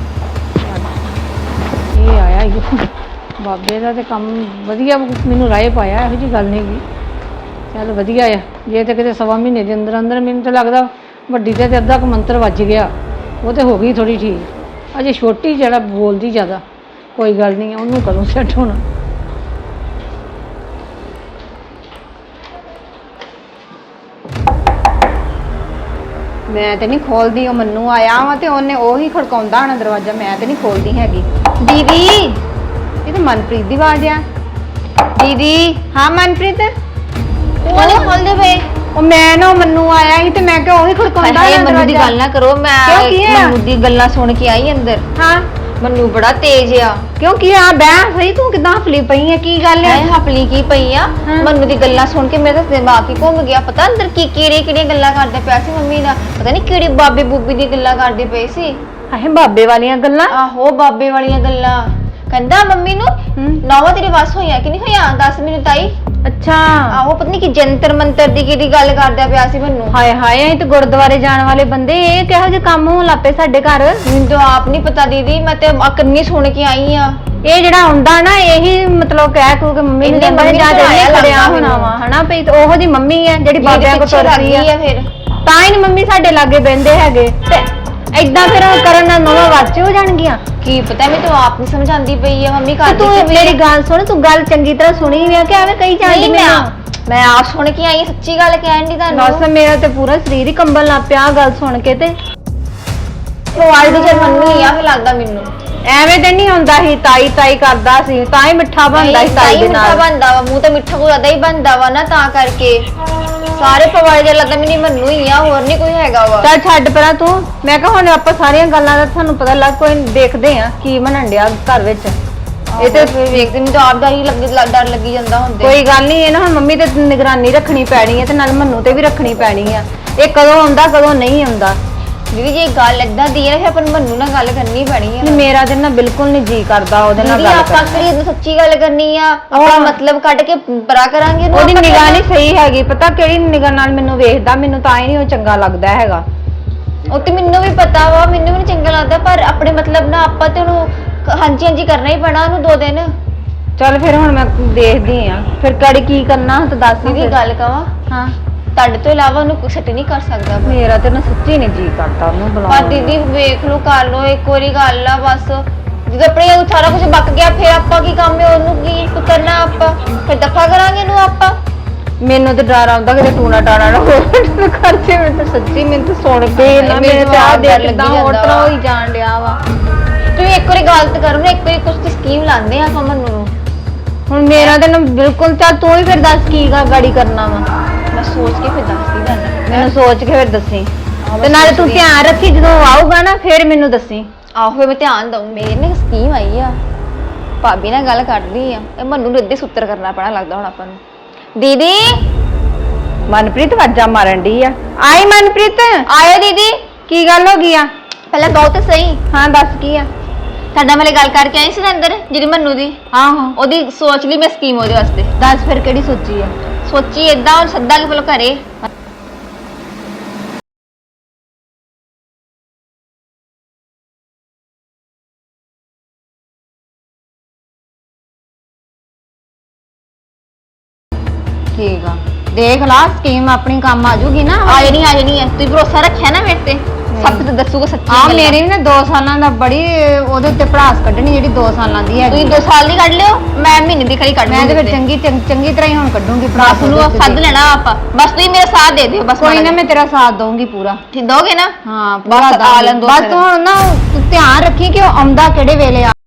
Speaker 1: ਇਹ ਆਇਆ ਈ ਬਾਬੇ ਦਾ ਤੇ ਕੰਮ ਵਧੀਆ, ਮੈਨੂੰ ਰਾਏ ਪਾਇਆ, ਇਹੋ ਜਿਹੀ ਗੱਲ ਨਹੀਂ ਗੀ। ਚੱਲ ਵਧੀਆ ਆ। ਜੇ ਤੇ ਕਿਤੇ ਸਵਾ ਮਹੀਨੇ ਦੇ ਅੰਦਰ ਮੈਨੂੰ ਤਾਂ ਲੱਗਦਾ ਵੱਡੀ ਤੇ ਅੱਧਾ ਕੁ ਮੰਤਰ ਵੱਜ ਗਿਆ, ਉਹ ਤੇ ਹੋ ਗਈ ਥੋੜੀ ਠੀਕ। ਅਜੇ ਛੋਟੀ ਜਿਹੜਾ ਬੋਲਦੀ ਜ਼ਿਆਦਾ, ਕੋਈ ਗੱਲ ਨਹੀਂ, ਉਹਨੂੰ ਕਦੋਂ ਸੈੱਟ ਹੋਣਾ।
Speaker 3: ਮੈਂ ਤੇ ਨਹੀਂ ਖੋਲਦੀ, ਉਹ ਮੰਨੂ ਆਇਆ ਵਾ ਤੇ ਉਹਨੇ ਉਹੀ ਖੜਕਾਉਂਦਾ ਹੋਣਾ ਦਰਵਾਜ਼ਾ, ਮੈਂ ਤੇ ਨਹੀਂ ਖੋਲਦੀ ਹੈਗੀ। ਦੀਦੀ, ਇਹ ਤਾਂ ਮਨਪ੍ਰੀਤ ਦੀ ਆਵਾਜ਼ ਆ। ਦੀਦੀ, ਹਾਂ ਮਨਪ੍ਰੀਤ।
Speaker 2: ਉਹ ਨਹੀਂ ਖੋਲਦੇ ਪਏ।
Speaker 3: ਉਹ ਮੈਂ ਨਾ, ਉਹ ਮੰਨੂ ਆਇਆ ਸੀ ਤੇ ਮੈਂ ਕਿਹਾ ਉਹੀ ਖੜਕਾਉਂਦਾ
Speaker 2: ਹਾਏ
Speaker 3: ਹੋਣਾ
Speaker 2: ਮੰਨੂ ਦੀ
Speaker 3: ਦਰਵਾਜ਼ਾ।
Speaker 2: ਗੱਲ ਨਾ ਕਰੋ,
Speaker 3: ਕਿਉਂ,
Speaker 2: ਮੈਂ
Speaker 3: ਕੀ ਆ?
Speaker 2: ਮੰਨੂ ਦੀ ਗੱਲਾਂ ਸੁਣ ਕੇ ਆਈ ਅੰਦਰ।
Speaker 3: ਹਾਂ
Speaker 2: ਮੰਨੂ ਬੜਾ ਤੇਜ਼ ਆ।
Speaker 3: ਕਿਉਂ ਕੀ ਆ? ਬਹਿ ਸਹੀ, ਤੂੰ ਕਿਦਾਂ ਹਫਲੀ ਪਈ ਆ, ਕੀ ਗੱਲ
Speaker 2: ਐ
Speaker 3: ਆ?
Speaker 2: ਹਪਲੀ ਕੀ ਪਈ ਆ?
Speaker 3: ਹਾਂ।
Speaker 2: ਮੰਨੂ ਦੀ ਗੱਲਾਂ ਸੁਣ ਕੇ ਮੇਰਾ ਤਾਂ ਦਿਮਾਗ ਹੀ ਘੁੰਮ ਗਿਆ। ਪਤਾ ਅੰਦਰ ਕਿਹੜੀਆਂ ਗੱਲਾਂ ਕਰਦੇ ਪਿਆ ਸੀ ਮੰਮੀ ਦਾ, ਪਤਾ ਨਹੀਂ ਕਿਹੜੀ ਬਾਬੇ ਬੂਬੀ ਦੀ ਗੱਲਾਂ ਕਰਦੇ ਪਏ ਸੀ।
Speaker 3: ਹਾਏ ਬਾਬੇ ਵਾਲੀਆਂ ਗੱਲਾਂ।
Speaker 2: ਆਹੋ ਬਾਬੇ ਵਾਲੀਆਂ ਗੱਲਾਂ। ਕਹਿੰਦਾ ਮੰਮੀ ਨੂੰ ਨੌਵਾਂ ਤੇਰੇ ਵੱਸ ਹੋਈਆਂ ਕਿ ਨਹੀਂ ਹੋਈਆਂ, ਦੱਸ ਮੈਨੂੰ ਤਾਈ।
Speaker 3: ਅੱਛਾ।
Speaker 2: ਆਹੋ ਪਤਾ ਨਹੀਂ ਕਿ ਜੰਤਰ ਮੰਤਰ ਦੀ ਕਿਹੜੀ ਗੱਲ ਕਰਦਾ ਪਿਆ ਸੀ ਮੈਨੂੰ।
Speaker 3: ਹਾਏ ਹਾਏ, ਇਹ ਤੇ ਗੁਰਦੁਆਰੇ ਜਾਣ ਵਾਲੇ ਬੰਦੇ, ਇਹ ਕਿਹੋ ਜਿਹੇ ਕੰਮ ਹੋਣ ਲੱਪੇ ਸਾਡੇ ਘਰ।
Speaker 2: ਮੈਨੂੰ ਤਾਂ ਆਪ ਨਹੀਂ ਪਤਾ ਦੀਦੀ, ਮੈਂ ਤੇ ਕੰਨੀ ਸੁਣ ਕੇ ਆਈ ਆ।
Speaker 3: ਇਹ ਜਿਹੜਾ ਆਉਂਦਾ ਨਾ, ਇਹੀ ਮਤਲਬ ਕਹਿ ਕੂ ਕੇ ਮੰਮੀ ਨੂੰ
Speaker 2: ਇਹਨੇ
Speaker 3: ਕਹਿੰਦਾ
Speaker 2: ਮੰਮੀ
Speaker 3: ਜਾਂ
Speaker 2: ਨੂੰ
Speaker 3: ਤੇ
Speaker 2: ਲੱਗਦਾ
Speaker 3: ਖੜਿਆ ਹੋਣਾ
Speaker 2: ਮੈਨੂੰ।
Speaker 3: ਵਾ, ਹਨਾ ਭਈ ਉਹੋ ਦੀ ਮੰਮੀ ਆ ਜਿਹੜੀ ਬਾਬਿਆਂ ਕੋਲ ਤੁਰਦੀ ਆ।
Speaker 2: ਫਿਰ
Speaker 3: ਤਾਂ ਹੀ ਨੀ ਮੰਮੀ ਸਾਡੇ ਲਾਗੇ ਬਹਿੰਦੇ ਹੈਗੇ। ਤੇ ਏਦਾਂ ਫਿਰ ਕਰਨ ਨਾਲ ਨਵਾਂ ਵਾਚ ਹੋ ਜਾਣਗੀਆਂ।
Speaker 2: ਕੀ ਪਤਾ, ਮੈਂ ਤਾਂ ਆਪ ਨਹੀਂ ਸਮਝਾਂਦੀ ਪਈ ਆ ਮੰਮੀ
Speaker 3: ਤੇ
Speaker 2: ਕਰਦੀ
Speaker 3: ਤੂੰ
Speaker 2: ਕਿਵੇਂ
Speaker 3: ਮੇਰੀ ਗੱਲ ਸੁਣ, ਤੂੰ ਗੱਲ ਚੰਗੀ ਤਰ੍ਹਾਂ ਸੁਣੀ ਵੀ ਆ ਕਿ ਐਵੇਂ ਕਹੀ ਜਾਂਦੀ
Speaker 2: ਨਹੀਂ
Speaker 3: ਮੈਨੂੰ?
Speaker 2: ਮੈਂ ਆਪ ਸੁਣ ਕੇ ਆਈ, ਸੱਚੀ ਗੱਲ ਕਹਿਣ ਦੀ
Speaker 3: ਦੱਸ
Speaker 2: ਤੁਹਾਨੂੰ।
Speaker 3: ਮੇਰਾ ਤੇ ਪੂਰਾ ਸਰੀਰ ਹੀ ਕੰਬਣ ਲੱਗ ਪਿਆ ਆਹ ਗੱਲ ਸੁਣ ਕੇ ਤੇ
Speaker 2: ਪਵਾਲ ਦੀ ਜਰ ਮੰਨੂ ਹੀ ਆ, ਫਿਰ ਲੱਗਦਾ ਮੈਨੂੰ।
Speaker 3: ਐਵੇਂ ਤੇ ਨਹੀਂ ਹੁੰਦਾ ਸੀ, ਤਾਈ ਤਾਈ ਕਰਦਾ ਸੀ ਤਾਂ ਹੀ ਮਿੱਠਾ ਬਣਦਾ ਸੀ ਤਾਈ ਦੇ
Speaker 2: ਮਿੱਠਾ
Speaker 3: ਨਾਲ।
Speaker 2: ਬਣਦਾ ਵਾ, ਮੂੰਹ ਤੇ ਮਿੱਠਾ ਕੋਈ ਜ਼ਿਆਦਾ ਹੀ ਬਣਦਾ ਵਾ ਨਾ, ਤਾਂ ਕਰਕੇ ਸਾਰੇ ਪਵਾਲ ਜਰ ਲੱਗਦਾ ਮੈਨੂੰ ਮੰਨੂ ਹੀ ਆ, ਹੋਰ ਨਹੀਂ ਕੋਈ ਹੈਗਾ ਵਾ।
Speaker 3: ਚੱਲ ਛੱਡ ਪਰਾਂ ਤੂੰ। ਮੈਂ ਕਿਹਾ ਹੁਣ ਆਪਾਂ ਸਾਰੀਆਂ ਗੱਲਾਂ ਦਾ ਤੁਹਾਨੂੰ ਪਤਾ ਲੱਗ ਕੋਈ ਦੇਖਦੇ ਆ ਕੀ ਬਣਨ ਡਿਆ ਘਰ ਵਿੱਚ।
Speaker 2: ਇਹ ਤੇ ਫਿਰ ਵੇਖਦੇ ਮੈਨੂੰ ਤਾਂ ਆਪ ਡਰ ਲੱਗੀ ਜਾਂਦਾ ਹੁੰਦੇ।
Speaker 3: ਕੋਈ ਗੱਲ ਨਹੀਂ, ਇਹ ਨਾ ਹੁਣ ਮੰਮੀ ਤੇ ਨਿਗਰਾਨੀ ਰੱਖਣੀ ਪੈਣੀ ਹੈ ਤੇ ਨਾਲ ਮੰਨੂ ਤੇ ਵੀ ਰੱਖਣੀ ਪੈਣੀ ਆ। ਇਹ ਕਦੋਂ ਆਉਂਦਾ ਕਦੋਂ ਨਹੀਂ ਆਉਂਦਾ।
Speaker 2: ਦੀਦੀ ਜੇ ਗੱਲ ਏਦਾਂ ਦੀ ਹੈ ਫਿਰ ਆਪਾਂ ਨੂੰ ਮੰਨੂ ਨਾਲ ਗੱਲ ਕਰਨੀ ਪੈਣੀ ਹੈ।
Speaker 3: ਨਹੀਂ ਮੇਰਾ ਤੇ ਨਾ ਬਿਲਕੁਲ ਨਹੀਂ ਜੀ ਕਰਦਾ ਉਹਦੇ ਨਾਲ
Speaker 2: ਦੀਦੀ
Speaker 3: ਗੱਲ
Speaker 2: ਆਪਾਂ
Speaker 3: ਕਰਨ
Speaker 2: ਕਿਹੜੀ ਸੱਚੀ ਗੱਲ ਕਰਨੀ ਆ, ਆਪਣਾ ਮਤਲਬ ਕੱਢ ਕੇ ਪਰਾ ਕਰਾਂਗੇ ਇਹਨੂੰ
Speaker 3: ਉਹਦੀ
Speaker 2: ਆਪਾਂ
Speaker 3: ਨਿਗਾਹ ਨਹੀਂ ਸਹੀ ਹੈਗੀ। ਪਤਾ ਕਿਹੜੀ ਨਿਗਾਹ ਨਾਲ ਮੈਨੂੰ ਵੇਖਦਾ, ਮੈਨੂੰ ਤਾਂ ਹੀ ਨਹੀਂ ਉਹ ਚੰਗਾ ਲੱਗਦਾ ਹੈਗਾ।
Speaker 2: ਉਹ ਤੇ ਮੈਨੂੰ ਵੀ ਪਤਾ ਵਾ, ਮੈਨੂੰ ਵੀ ਨਹੀਂ ਚੰਗਾ ਲੱਗਦਾ, ਪਰ ਆਪਣੇ ਮਤਲਬ ਨਾ ਆਪਾਂ ਤੇ ਉਹਨੂੰ ਹਾਂਜੀ ਹਾਂਜੀ ਕਰਨਾ ਹੀ ਪੈਣਾ ਉਹਨੂੰ 2 ਦਿਨ।
Speaker 3: ਚੱਲ ਫਿਰ ਹੁਣ ਮੈਂ ਦੇਖਦੀ ਆ ਫਿਰ ਕੜੀ ਕੀ ਕਰਨਾ ਤਾਂ ਦੱਸ
Speaker 2: ਦੀਦੀ
Speaker 3: ਫਿਰ।
Speaker 2: ਗੱਲ ਕਵਾਂ,
Speaker 3: ਹਾਂ
Speaker 2: ਤੁਹਾਡੇ ਤੋਂ ਇਲਾਵਾ ਉਹਨੂੰ ਕੁਛ ਨਹੀਂ ਕਰ ਸਕਦਾ ਵਾ।
Speaker 3: ਮੇਰਾ ਤੇ ਨਾ ਸੱਚੀ ਨਹੀਂ ਜੀ ਕਰਦਾ ਉਹਨੂੰ
Speaker 2: ਪਰ
Speaker 3: ਬੁਲਾਉਣ
Speaker 2: ਦੀਦੀ ਵੇਖ ਲਓ, ਕਰ ਲਓ ਇੱਕ ਵਾਰੀ ਗੱਲ ਆ ਬਸ। ਜਦੋਂ ਆਪਣੇ ਉਹ ਸਾਰਾ ਕੁਝ ਬੱਕ ਗਿਆ ਫਿਰ ਆਪਾਂ ਕੀ ਕੰਮ ਹੈ, ਉਹਨੂੰ ਕੀ ਕਰਨਾ ਆਪਾਂ, ਫਿਰ ਦਫਾ ਕਰਾਂਗੇ ਇਹਨੂੰ ਆਪਾਂ।
Speaker 3: ਮੈਨੂੰ ਤੇ ਡਰ ਆਉਂਦਾ ਕਿ ਟੂਣਾ ਟਾਣਾ ਨਾ ਹੋਵੇ ਖਰਚੇ। ਮੈਂ ਤਾਂ ਸੱਚੀ ਮੈਨੂੰ ਤਾਂ ਸੁਣ ਕੇ ਨਾ ਮੇਰੇ ਤੇ ਆ ਦੇਖ ਕਿਦਾਂ ਹੋਟਰਾ ਹੋਈ ਜਾਣ ਡਿਆ ਵਾ।
Speaker 2: ਤੁਸੀਂ ਇੱਕ ਵਾਰੀ ਗੱਲ ਤਾਂ ਕਰੋ ਨਾ, ਇੱਕ ਵਾਰੀ ਕੁਝ ਤੇ ਸਕੀਮ ਲਾਉਂਦੇ ਆ ਆਪਾਂ ਮੰਨੂ ਨੂੰ।
Speaker 3: ਹੁਣ ਮੇਰਾ ਤੇ ਨਾ ਬਿਲਕੁਲ। ਚੱਲ ਤੂੰ ਹੀ ਫਿਰ ਦੱਸ ਕੀ ਗਾੜੀ ਕਰਨਾ ਵਾ।
Speaker 2: ਮੈਂ ਸੋਚ ਕੇ ਫਿਰ ਦੱਸਦੀ ਤੁਹਾਨੂੰ।
Speaker 3: ਮੈਨੂੰ ਸੋਚ ਕੇ ਫਿਰ ਦੱਸੀ ਤੇ ਨਾਲੇ ਤੂੰ ਧਿਆਨ ਰੱਖੀ ਜਦੋਂ ਉਹ ਆਊਗਾ ਨਾ ਫਿਰ ਮੈਨੂੰ ਦੱਸੀ।
Speaker 2: ਆਹੋ ਮੈਂ ਧਿਆਨ ਦਊਂ। ਮੇਰੇ ਨੇ ਸਕੀਮ ਆਈ ਆ, ਭਾਬੀ ਨਾਲ ਗੱਲ ਕਰਦੀ ਆ, ਇਹ ਮੰਨੂ ਨੂੰ ਇੱਦੇ ਸੁੱਤਰ ਕਰਨਾ ਪੈਣਾ ਲੱਗਦਾ ਹੁਣ ਆਪਾਂ ਨੂੰ। ਦੀਦੀ
Speaker 3: ਮਨਪ੍ਰੀਤ ਵਾਜਾ ਮਾਰਨ ਡਈ ਆ। ਆਈ ਮਨਪ੍ਰੀਤ।
Speaker 2: ਆਇਓ ਦੀਦੀ।
Speaker 3: ਕੀ ਗੱਲ ਹੋ ਗਈ ਆ?
Speaker 2: ਪਹਿਲਾਂ ਕਹੋ ਤੇ ਸਹੀ,
Speaker 3: ਹਾਂ ਦੱਸ ਕੀ ਆ?
Speaker 2: ਤੁਹਾਡਾ ਵਾਲੇ ਗੱਲ ਕਰਕੇ ਆਈ ਸੀ ਨਾ ਅੰਦਰ ਜਿਹੜੀ ਮੰਨੂ ਦੀ,
Speaker 3: ਆਹੋ
Speaker 2: ਉਹਦੀ ਸੋਚ ਲਈ ਮੈਂ ਸਕੀਮ ਉਹਦੇ ਵਾਸਤੇ।
Speaker 3: ਦੱਸ ਫਿਰ ਕਿਹੜੀ ਸੋਚੀ ਆ?
Speaker 2: ਸੋਚੀ ਏਦਾਂ ਹੁਣ ਸੱਦਾ ਕਿ ਪਹਿਲਾਂ ਘਰੇ
Speaker 3: ਠੀਕ ਆ ਦੇਖ ਲਾ ਸਕੀਮ ਆਪਣੀ ਕੰਮ ਆ ਜੂਗੀ ਨਾ।
Speaker 2: ਆ ਜਾਣੀ ਹੈ। ਤੁਸੀਂ ਭਰੋਸਾ ਰੱਖਿਆ ਨਾ ਮੇਰੇ ਤੇ, ਸਭ ਤੇ ਦੱਸੂਗਾ ਸੱਚੀ
Speaker 3: ਆ
Speaker 2: ਗੱਲ।
Speaker 3: ਮੇਰੀ ਵੀ ਨਾ 2 ਸਾਲਾਂ ਦਾ ਬੜੀ ਉਹਦੇ ਉੱਤੇ ਭੜਾਸ ਕੱਢਣੀ ਜਿਹੜੀ 2 ਸਾਲਾਂ ਦੀ ਹੈਗੀ।
Speaker 2: ਤੁਸੀਂ 2 ਸਾਲ ਦੀ ਕੱਢ ਲਿਓ, ਮੈਂ ਮਹੀਨੇ ਦੀ ਖੜੀ ਕੱਢ
Speaker 3: ਮੈਂ ਤੇ ਫਿਰ
Speaker 2: ਲੂੰਗੀ।
Speaker 3: ਚੰਗੀ ਤਰ੍ਹਾਂ ਹੀ ਹੁਣ ਕੱਢੂੰਗੀ
Speaker 2: ਬਸ
Speaker 3: ਭੜਾਸ।
Speaker 2: ਨੂੰ ਸੱਦ ਲੈਣਾ ਆਪਾਂ, ਬਸ ਤੁਸੀਂ ਮੇਰਾ ਸਾਥ ਦੇ ਦਿਓ ਬਸ।
Speaker 3: ਕੋਈ ਨਾ ਮੈਂ ਤੇਰਾ ਸਾਥ ਦਊਂਗੀ ਪੂਰਾ।
Speaker 2: ਠੀਕ ਦੋਗੇ ਨਾ?
Speaker 3: ਹਾਂ
Speaker 2: ਬਸ ਆ ਲੈਣ ਦਿਓ
Speaker 3: ਬਸ
Speaker 2: ਫਿਰ।
Speaker 3: ਤੂੰ ਹੁਣ ਨਾ ਤੂੰ ਧਿਆਨ ਰੱਖੀ ਕਿ ਉਹ ਆਉਂਦਾ ਕਿਹੜੇ ਵੇਲੇ ਆ।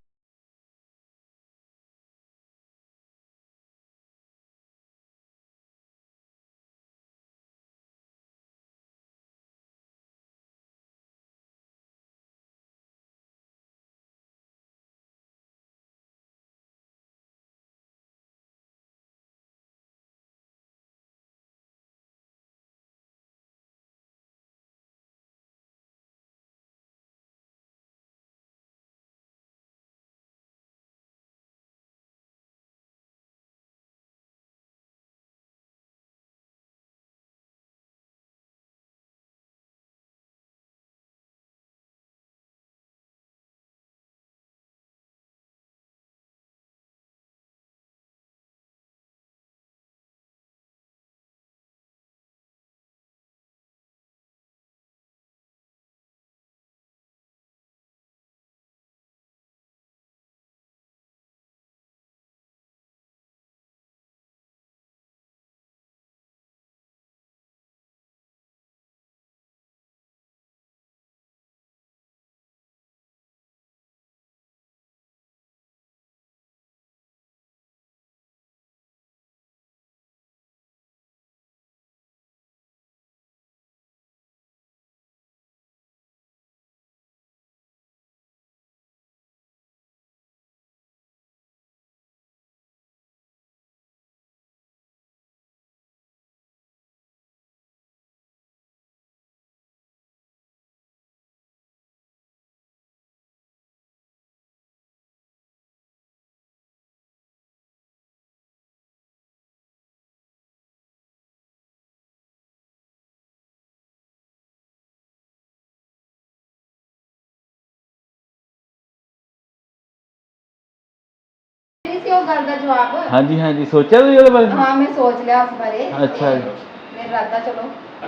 Speaker 3: ਉਹ ਗੱਲ ਦਾ ਜਵਾਬ।
Speaker 5: ਹਾਂਜੀ ਹਾਂਜੀ ਸੋਚਿਆ ਤੁਸੀਂ ਉਹਦੇ ਬਾਰੇ?
Speaker 3: ਹਾਂ ਮੈਂ ਸੋਚ ਲਿਆ ਉਸ ਬਾਰੇ।
Speaker 5: ਅੱਛਾ ਜੀ।
Speaker 3: ਮੇਰਾ ਇਰਾਦਾ ਚਲੋ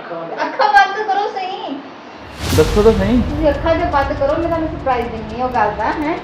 Speaker 3: ਅੱਖਾਂ ਬੰਦ ਕਰੋ ਸਹੀ।
Speaker 5: ਦੱਸੋ ਤਾਂ ਸਹੀ।
Speaker 3: ਤੁਸੀਂ ਅੱਖਾਂ ਜੇ ਬੰਦ ਕਰੋ, ਮੈਂ ਤੁਹਾਨੂੰ ਸਰਪ੍ਰਾਈਜ਼ ਦਿੰਨੀ ਉਹ ਗੱਲ ਦਾ ਹੈ।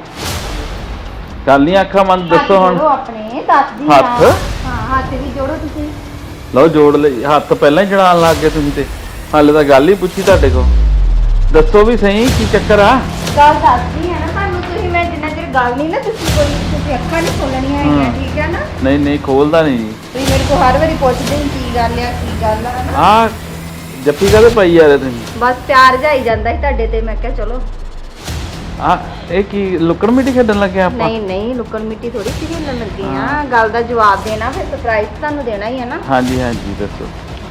Speaker 5: ਚੱਲ ਨਹੀਂ ਅੱਖਾਂ ਬੰਦ ਦੱਸੋ ਹੁਣ।
Speaker 3: ਜੋੜੋ ਆਪਣੇ ਦੱਸਦੀ
Speaker 5: ਹੱਥ?
Speaker 3: ਹਾਂ ਹੱਥ ਵੀ ਜੋੜੋ ਤੁਸੀਂ।
Speaker 5: ਲਓ ਜੋੜ ਲਈ ਹੱਥ ਪਹਿਲਾਂ ਹੀ ਚੜਾਉਣ ਲੱਗ ਗਏ ਤੁਸੀਂ ਤੇ ਹਾਲੇ ਤਾਂ ਗੱਲ ਹੀ ਪੁੱਛੀ ਤੁਹਾਡੇ ਕੋਲ ਦੱਸੋ ਵੀ ਸਹੀ ਕੀ ਚੱਕਰ ਆ
Speaker 3: ਗੱਲ ਦੱਸਦੀ ਹੈ ਨਾ ਤੁਹਾਨੂੰ ਤੁਸੀਂ ਮੈਂ ਜਿੰਨਾ ਚਿਰ ਗੱਲ ਨਹੀਂ ਨਾ ਤੁਸੀਂ ਅੱਖਾਂ ਨਹੀਂ ਖੋਲਣੀਆਂ ਹੈਗੀਆਂ ਠੀਕ ਹੈ ਨਾ
Speaker 5: ਨਹੀਂ ਨਹੀਂ ਖੋਲਦਾ ਨਹੀਂ ਜੀ
Speaker 3: ਤੁਸੀਂ ਮੇਰੇ ਕੋਲ ਹਰ ਵਾਰੀ ਪੁੱਛਦੇ ਹੋ ਕੀ ਗੱਲ ਆ ਕੀ ਗੱਲ ਆ ਨਾ
Speaker 5: ਆ ਜੱਫੀ ਕਾਹਦੇ ਪਾਈ ਜਾ ਰਹੇ ਤੁਸੀਂ
Speaker 3: ਬਸ ਪਿਆਰ ਜਾਈ ਜਾਂਦਾ ਸੀ ਤੁਹਾਡੇ ਤੇ ਮੈਂ ਕਿਹਾ ਚਲੋ
Speaker 5: ਆ ਇਹ ਕੀ ਲੁੱਕਣ ਮਿੱਟੀ ਖੇਡਣ ਲੱਗੇ ਆਪਾਂ
Speaker 3: ਨਹੀਂ ਲੁਕਣ ਮਿੱਟੀ ਥੋੜੀ ਸੀ ਖੇਲਣ ਲੱਗੇ ਆ ਗੱਲ ਦਾ ਜਵਾਬ ਦੇਣਾ ਫਿਰ ਸਰਪ੍ਰਾਈਜ਼ ਤੁਹਾਨੂੰ ਦੇਣਾ ਹੀ ਹੈ ਨਾ
Speaker 5: ਹਾਂਜੀ ਹਾਂਜੀ ਦੱਸੋ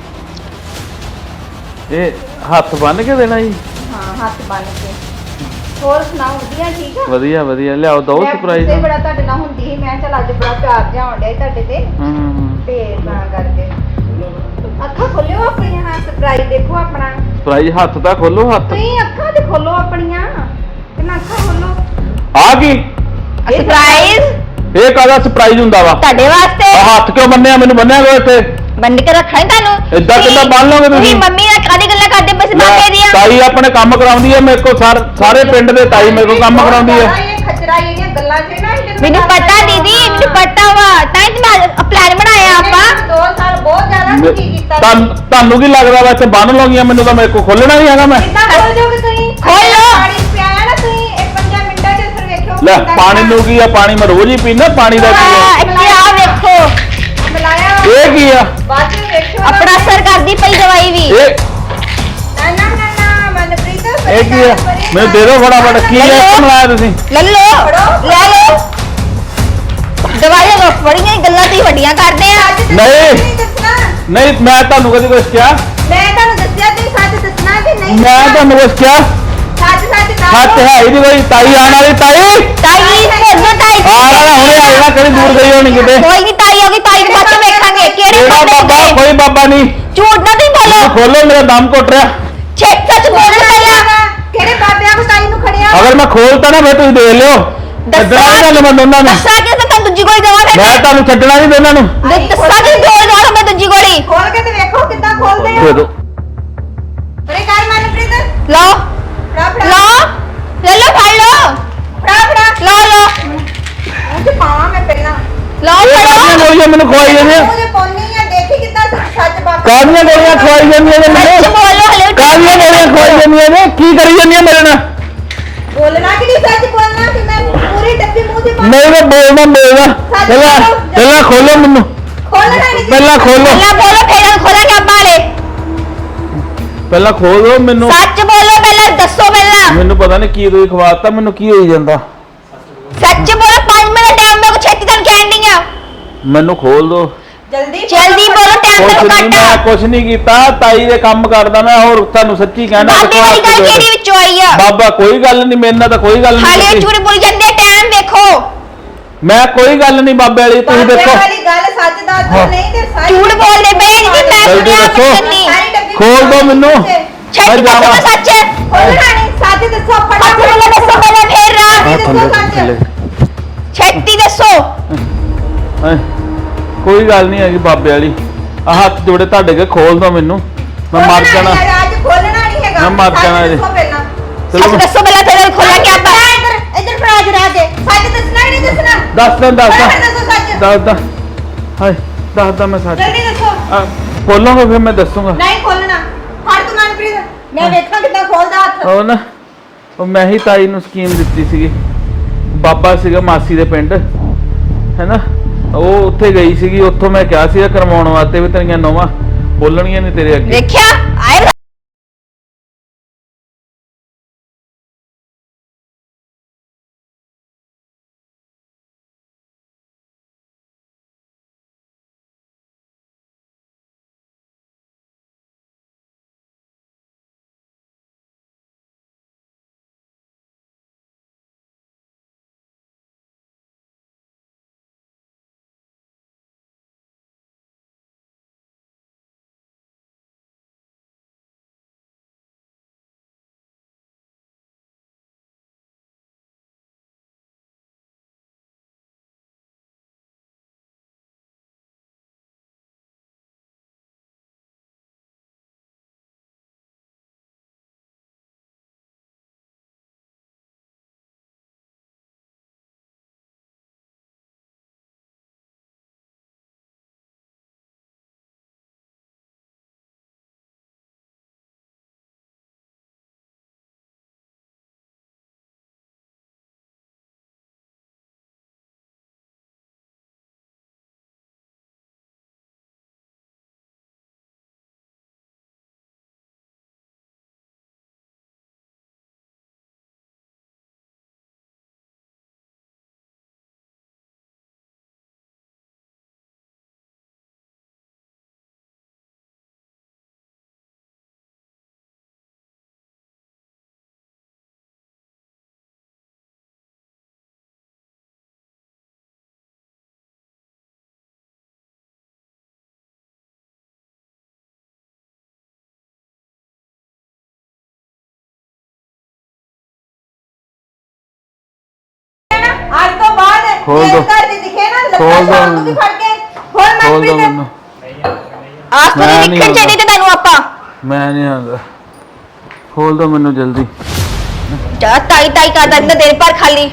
Speaker 5: ਇਹ ਹੱਥ ਬੰਨ ਕੇ ਦੇਣਾ ਜੀ
Speaker 3: ਹਾਂ ਹੱਥ ਬੰਨ ਕੇ ਹੋਰ ਸੁਣਾਓ ਵਧੀਆ ਠੀਕ ਆ
Speaker 5: ਵਧੀਆ ਵਧੀਆ ਲਿਆਓ ਦੋ ਸਰਪ੍ਰਾਈਜ਼
Speaker 3: ਮੈਂ ਬੜਾ ਤੁਹਾਡੇ ਨਾਲ ਹੁੰਦੀ ਸੀ ਮੈਂ ਚੱਲ ਅੱਜ ਬੜਾ ਪਿਆਰ ਜਿਹਾ ਆਉਣ ਡਿਆ ਸੀ ਤੁਹਾਡੇ ਤੇ ਤੇ ਤਾਂ ਕਰਕੇ ਅੱਖਾਂ ਖੋਲਿਓ ਆਪਣੀਆਂ ਹਾਂ ਸਰਪ੍ਰਾਈਜ਼ ਦੇਖੋ ਆਪਣਾ
Speaker 5: ਸਰਪ੍ਰਾਈਜ਼ ਹੱਥ ਤਾਂ ਖੋਲੋ ਹੱਥ
Speaker 3: ਤੁਸੀਂ ਅੱਖਾਂ ਤੇ ਖੋਲੋ ਆਪਣੀਆਂ ਕਿੰਨਾ ਅੱਖਾਂ ਖੋਲੋ
Speaker 5: ਆ ਕੀ
Speaker 2: ਸਰਪ੍ਰਾਈਜ਼
Speaker 5: ਇਹ ਕਾਹਦਾ ਸਰਪ੍ਰਾਈਜ਼ ਹੁੰਦਾ ਵਾ
Speaker 2: ਤੁਹਾਡੇ ਵਾਸਤੇ
Speaker 5: ਆਹ ਹੱਥ ਕਿਉਂ ਬੰਨਿਆ ਮੈਨੂੰ ਬੰਨਿਆ ਕੋ ਇੱਥੇ
Speaker 2: ਬੰਦ ਕੇ ਰੱਖਾਂ ਤੁਹਾਨੂੰ
Speaker 5: ਏਦਾਂ ਕਿੱਦਾਂ ਬੰਨ ਲਓਗੇ ਤੁਸੀਂ?
Speaker 2: ਮੰਮੀ ਨਾਲ ਕਾਦੀ ਗੱਲਾਂ ਕਰਦੇ ਪਏ ਸੀ ਬਾਬੇ ਦੀਆਂ
Speaker 5: ਤਾਈ ਆਪਣੇ ਕੰਮ ਕਰਾਉਂਦੀ ਹੈ ਮੇਰੇ ਕੋਲ ਸਾਰੇ ਪਿੰਡ ਦੇ ਤਾਈ ਮੇਰੇ ਕੋਲ ਕੰਮ ਕਰਾਉਂਦੀ ਹੈ
Speaker 3: ਇਹ ਖਚਰਾ ਇਹਦੀਆਂ ਗੱਲਾਂ 'ਚ ਨਾ
Speaker 2: ਮੈਨੂੰ ਪਤਾ ਦੀਦੀ ਮੈਨੂੰ ਪਤਾ ਵਾ ਤਾਂ ਹੀ ਮੈਂ ਪਲਾਨ ਬਣਾਇਆ ਆਪਾਂ
Speaker 3: 2 ਸਾਲ ਬਹੁਤ ਜ਼ਿਆਦਾ ਕੀ ਕੀਤਾ
Speaker 5: ਤੁਹਾਨੂੰ ਕੀ ਲੱਗਦਾ ਵਾ ਇੱਥੇ ਬੰਨ ਲਓਗੀਆਂ ਮੈਨੂੰ ਤਾਂ ਮੇਰੇ ਕੋਲ ਖੋਲਣਾ ਨਹੀਂ ਹੈਗਾ ਮੈਂ
Speaker 3: ਕਿੱਦਾਂ ਖੋਲ ਜਾਓਗੇ ਤੁਸੀਂ
Speaker 2: ਖੋਲ ਲਓ।
Speaker 3: ਪਾਣੀ ਪਿਆਇਆ ਨਾ ਤੁਸੀਂ ਇਹ 5 ਮਿੰਟਾਂ 'ਚ ਫਿਰ ਵੇਖਿਓ
Speaker 5: ਲੈ
Speaker 3: ਕਿੱਦਾਂ
Speaker 5: ਪਾਣੀ ਨੂੰ ਕੀ ਆ ਪਾਣੀ ਮੈਂ ਰੋਜ਼ ਹੀ ਪੀਂਦਾ ਪਾਣੀ ਦਾ ਕੀ ਆ
Speaker 2: ਇੱਥੇ ਆ ਵੇਖੋ
Speaker 3: ਮਿਲਾਇਆ
Speaker 5: ਇਹ ਕੀ ਆ
Speaker 3: ਬਾਅਦ 'ਚ ਵੇਖਿਓ
Speaker 2: ਆਪਣਾ ਅਸਰ ਕਰਦੀ ਪਈ ਦਵਾਈ ਵੀ
Speaker 5: ਇਹ
Speaker 3: ਨਾ ਮਨਪ੍ਰੀਤ
Speaker 5: ਇਹ ਕੀ ਆ ਮੈਨੂੰ ਦੇ ਦਿਓ ਫਟਾਫਟ ਕੀ ਆ ਇਹ ਮਿਲਾਇਆ ਤੁਸੀਂ
Speaker 2: ਲੈ ਲਓ ਲੈ ਲਓ ਦਵਾਈਆਂ ਨੂੰ ਬੜੀਆਂ ਹੀ ਗੱਲਾਂ ਤੁਸੀਂ ਵੱਡੀਆਂ ਕਰਦੇ ਆ
Speaker 5: ਨਹੀਂ
Speaker 3: ਦੱਸਣਾ
Speaker 5: ਨਹੀਂ ਮੈਂ ਤੁਹਾਨੂੰ ਕਦੀ ਕੁਛ ਕਿਹਾ
Speaker 3: ਮੈਂ ਤੁਹਾਨੂੰ ਦੱਸਿਆ ਤੁਸੀਂ ਸੱਚ ਦੱਸਣਾ ਕਿ ਨਹੀਂ
Speaker 5: ਮੈਂ ਤੁਹਾਨੂੰ ਕੁਛ ਕਿਹਾ
Speaker 3: ਸੱਚ ਦੱਸੋ
Speaker 5: ਹੱਥ ਹੈ ਹੀ ਨਹੀਂ ਕੋਈ ਤਾਈ ਆਣ ਵਾਲੀ ਤਾਈ
Speaker 2: ਤਾਈ ਭੇਜੋ ਤਾਈ
Speaker 5: ਆ ਰਹਾ ਹੁਣੇ ਆਏਗਾ ਕਦੀ ਦੂਰ ਗਈ ਹੋਣੀ ਕਿਤੇ
Speaker 2: ਕੋਈ ਨਹੀਂ ਤਾਈ ਹੋਗੀ ਤਾਈ ਨੂੰ ਬਾਅਦ ਚ ਵੇਖਾਂਗੇ ਕਿਹੜੇ
Speaker 5: ਕਿਹੜਾ
Speaker 2: ਬਾਬੇ
Speaker 5: ਬਾਬਾ
Speaker 2: ਦੇ
Speaker 5: ਕੋਈ ਬਾਬਾ ਨਹੀਂ
Speaker 2: ਝੂਠ ਨਾ ਤੁਸੀਂ ਬੋਲੋ
Speaker 5: ਖੋਲੋ ਮੇਰਾ ਦਮ ਘੁੱਟ ਰਿਹਾ
Speaker 2: ਛੇਕ ਸੱਚ ਬੋਲੋ ਪਹਿਲਾਂ
Speaker 3: ਕਿਹੜੇ ਬਾਬਿਆਂ ਕੋ ਤਾਈ ਨੂੰ ਖੜਿਆ
Speaker 5: ਅਗਰ ਮੈਂ ਖੋਲਤਾ ਨਾ ਫਿਰ ਤੁਸੀਂ ਦੇਖ ਲਿਓ ਇੱਦਾਂ ਨਹੀਂ ਗੱਲ ਮੈਂ ਦੋਨਾਂ ਨੂੰ
Speaker 2: ਦੱਸਾਂ ਕਿ ਤੁਹਾਨੂੰ ਦੂਜੀ ਗੋਲੀ ਦੇਵਾਂ ਫਿਰ
Speaker 5: ਮੈਂ ਤੁਹਾਨੂੰ ਛੱਡਣਾ ਨਹੀਂ ਦੋਨਾਂ ਨੂੰ
Speaker 2: ਦੱਸਾਂ ਕਿ ਗੋਲੀ ਦੇਵਾਂ ਮੈਂ ਦੂਜੀ ਗੋਲੀ
Speaker 3: ਖੋਲ ਕੇ ਤੇ ਵੇਖੋ ਕਿੱਦਾਂ ਖੋਲਦੇ
Speaker 5: ਦੇ
Speaker 3: ਹੋ
Speaker 5: ਦਿਓ
Speaker 3: ਅਰੇ ਕਰ ਮਨਪ੍ਰੀਤ
Speaker 2: ਲਓ
Speaker 3: ਫੜਾ ਫੜਾ
Speaker 2: ਲਓ ਲੈ ਲਓ ਫੜ ਲਓ
Speaker 3: ਫੜਾ
Speaker 2: ਲਓ ਲਓ
Speaker 3: ਉਹ ਤੇ ਪਾਵਾਂ ਮੈਂ ਪਹਿਲਾਂ
Speaker 2: ਲਓ
Speaker 5: ਇਹ ਕਾਹਦੀਆਂ
Speaker 2: ਫੜੋ
Speaker 5: ਗੋਲੀਆਂ ਮੈਨੂੰ ਖਵਾਈ ਜਾਂਦੀਆਂ
Speaker 3: ਉਹਦੇ ਪੌਣੀ ਆ ਦੇਖੀ ਕਿੱਦਾਂ ਸੱਚ ਬਾਬਾ
Speaker 5: ਕਾਹਦੀਆਂ ਗੋਲੀਆਂ ਖਵਾਈ ਜਾਂਦੀਆਂ ਨੇ
Speaker 2: ਸੱਚ
Speaker 5: ਮੈਨੂੰ
Speaker 2: ਬੋਲੋ ਹਲੇ ਵੀ
Speaker 5: ਕਾਹਦੀਆਂ ਗੋਲੀਆਂ ਖਵਾਈ ਜਾਂਦੀਆਂ ਨੇ ਕੀ ਕਰੀ ਜਾਂਦੀਆਂ ਮੇਰੇ ਨਾਲ
Speaker 3: ਬੋਲਣਾ ਕਿ ਨਹੀਂ ਸੱਚ ਬੋਲਣਾ ਕਿ ਮੈਂ ਪੂਰੀ ਡੱਬੀ ਮੂੰਹ ਦੀ ਪਾ
Speaker 5: ਨਹੀਂ ਮੈਂ ਬੋਲਦਾ ਪਹਿਲਾਂ ਖੋਲੋ ਮੈਨੂੰ
Speaker 3: ਖੋਲਣਾ ਨਹੀਂ
Speaker 5: ਪਹਿਲਾਂ ਖੋਲੋ
Speaker 2: ਪਹਿਲਾਂ ਬੋਲੋ ਫਿਰ ਖੋਲਾਂਗੇ ਆਪਾਂ ਹਲੇ
Speaker 5: ਪਹਿਲਾਂ ਖੋਲ ਦਿਓ ਮੈਨੂੰ
Speaker 2: ਸੱਚ ਬੋਲੋ ਪਹਿਲਾਂ ਦੱਸੋ ਪਹਿਲਾਂ
Speaker 5: ਮੈਨੂੰ ਪਤਾ ਨਹੀਂ ਕੀ ਤੁਸੀਂ ਖਵਾਤਾ ਮੈਨੂੰ ਕੀ ਹੋਈ ਜਾਂਦਾ
Speaker 2: ਸੱਚ ਬੋਲੋ 5 ਮਿੰਟ ਟਾਈਮ ਮੇਰੇ ਕੋ ਛੇਤੀ ਤੁਹਾਨੂੰ ਕਹਿਣ ਡਈ ਆ
Speaker 5: ਮੈਨੂੰ ਖੋਲ ਦਿਓ
Speaker 2: ਜਲਦੀ ਬੋਲੋ ਟਾਈਮ
Speaker 5: ਕੁਛ
Speaker 2: ਮੇਰੇ
Speaker 5: ਨਹੀਂ
Speaker 2: ਕੋ
Speaker 5: ਮੈਂ
Speaker 2: ਘੱਟ
Speaker 5: ਕੁਛ ਨਹੀਂ ਕੀਤਾ ਤਾਈ ਦੇ ਕੰਮ ਕਰਦਾ ਮੈਂ ਹੋਰ ਤੁਹਾਨੂੰ ਸੱਚੀ ਕਹਿਣਾ
Speaker 2: ਬਾਬੇ ਵਾਲੀ ਗੱਲ ਕਿਹੜੀ ਵਿੱਚੋਂ ਆਈ ਆ
Speaker 5: ਬਾਬਾ ਕੋਈ ਗੱਲ ਨਹੀਂ ਮੇਰੇ ਨਾਲ ਤਾਂ ਕੋਈ ਗੱਲ
Speaker 2: ਹਾਲੇ
Speaker 5: ਨਹੀਂ
Speaker 2: ਝੂਠ ਬੋਲ ਜਾਂਦੇ ਟਾਈਮ ਵੇਖੋ
Speaker 5: ਮੈਂ ਕੋਈ ਗੱਲ ਨਹੀਂ ਬਾਬੇ ਵਾਲੀ ਤੁਸੀਂ ਦੇਖੋ
Speaker 3: ਵਾਲੀ ਗੱਲ ਸੱਚ ਦੱਸ
Speaker 5: ਹਾਂ।
Speaker 3: ਨਹੀਂ ਤੇ ਸੱਚ
Speaker 2: ਝੂਠ ਬੋਲਦੇ ਪਏ ਜੀ ਮੈਂ
Speaker 5: ਜਲਦੀ
Speaker 2: ਸੁਣਿਆ
Speaker 5: ਦੱਸੋ।
Speaker 2: ਕੁਛ ਨਹੀਂ
Speaker 3: ਸਾਰੀ ਡੱਬੀ
Speaker 5: ਖੋਲ ਦਿਓ ਮੈਨੂੰ
Speaker 2: ਛੇਤੀ
Speaker 5: ਮੈਂ
Speaker 2: ਦੱਸੋ
Speaker 5: ਜਾਵਾਂ।
Speaker 2: ਸੱਚ
Speaker 3: ਖੋਲਣਾ ਨਹੀਂ ਸੱਚ ਦੱਸੋ
Speaker 2: ਹੱਥ
Speaker 3: ਫਟਾਫਟ
Speaker 2: ਵੱਲੋਂ ਦੱਸੋ ਪਹਿਲਾਂ ਫੇਰ
Speaker 5: ਆਹ
Speaker 2: ਰਾ
Speaker 5: ਥੱਲੇ
Speaker 3: ਸੱਚ।
Speaker 5: ਥੱਲੇ
Speaker 2: ਛੇਤੀ ਦੱਸੋ
Speaker 5: ਹੈਂ, ਕੋਈ ਗੱਲ ਨਹੀਂ ਹੈਗੀ ਬਾਬੇ ਵਾਲੀ ਆ ਹੱਥ ਜੋੜੇ ਤੁਹਾਡੇ ਕੇ ਖੋਲ ਦੋ ਮੈਨੂੰ ਮੈਂ ਮਰ ਜਾਣਾ
Speaker 3: ਅੱਜ ਖੋਲਣਾ ਨਹੀਂ ਹੈਗਾ
Speaker 5: ਮੈਂ ਮਰ
Speaker 3: ਸੱਚ
Speaker 5: ਜਾਣਾ ਜੀ।
Speaker 3: ਦੱਸੋ ਪਹਿਲਾਂ
Speaker 5: ਚਲੋ
Speaker 2: ਸੱਚ ਦੱਸੋ ਪਹਿਲਾਂ ਫਿਰ ਖੋਲਾਂਗੇ ਆਪਾਂ
Speaker 3: ਇੱਧਰ ਫੜਾ ਜਰਾ ਕੇ ਸੱਚ ਦੱਸਣਾ ਕਿ ਨਹੀਂ ਦੱਸਣਾ
Speaker 5: ਦੱਸ
Speaker 3: ਫਟਾਫਟ ਦੱਸੋ ਸੱਚ
Speaker 5: ਦੱਸਦਾ ਹਾਏ ਦੱਸਦਾ ਮੈਂ ਸੱਚ
Speaker 3: ਜਲਦੀ ਦੱਸੋ
Speaker 5: ਖੋਲੋਗੇ ਫਿਰ ਮੈਂ ਦੱਸੂਗਾ
Speaker 3: ਨਹੀਂ ਖੋਲਣਾ ਫੜ ਤੂੰ ਮਨਪ੍ਰੀਤ ਮੈਂ ਵੇਖਾਂ ਕਿੱਦਾਂ ਖੋਲਦਾ ਹੱਥ
Speaker 5: ਉਹ ਨਾ ਉਹ ਮੈਂ ਹੀ ਤਾਈ ਨੂੰ ਸਕੀਮ ਦਿੱਤੀ ਸੀਗੀ ਬਾਬਾ ਸੀਗਾ ਮਾਸੀ ਦੇ ਪਿੰਡ ਹੈਨਾ ਉਹ ਉੱਥੇ ਗਈ ਸੀਗੀ ਉੱਥੋਂ ਮੈਂ ਕਿਹਾ ਸੀਗਾ ਕਰਵਾਉਣ ਵਾਸਤੇ ਵੀ ਤੇਰੀਆਂ ਨੋਵਾਂ ਬੋਲਣਗੀਆਂ ਨਹੀਂ ਤੇਰੇ ਅੱਗੇ
Speaker 2: ਵੇਖਿਆ ਆਏ
Speaker 5: ਖੋਲ
Speaker 3: ਜੇ
Speaker 5: ਦੋ।
Speaker 3: ਘਰ ਦੇ ਦਿਖੇ ਨਾ ਲੱਤਾਂ
Speaker 5: ਖੋਲ ਦੋ
Speaker 3: ਸ਼ਾਮ ਨੂੰ ਵੀ ਫੜ ਕੇ ਖੋਲ
Speaker 5: ਖੋਲ ਦੋ
Speaker 3: ਮਨਪ੍ਰੀਤ
Speaker 5: ਮੈਨੂੰ
Speaker 2: ਆਸ ਤੋਂ
Speaker 5: ਮੈਂ
Speaker 2: ਨਹੀਂ
Speaker 5: ਨਹੀਂ
Speaker 2: ਨਿਕਲ ਚਾਹੀਦੀ ਤੇ ਤੁਹਾਨੂੰ ਆਪਾਂ
Speaker 5: ਮੈਂ ਨਹੀਂ ਆਉਂਦਾ ਖੋਲ ਦੋ ਮੈਨੂੰ ਜਲਦੀ
Speaker 2: ਜਾ ਤਾਈ ਤਾਈ ਕਰਦਾ ਇੰਨਾ ਦੇਰ ਪਰ ਖਾਲੀ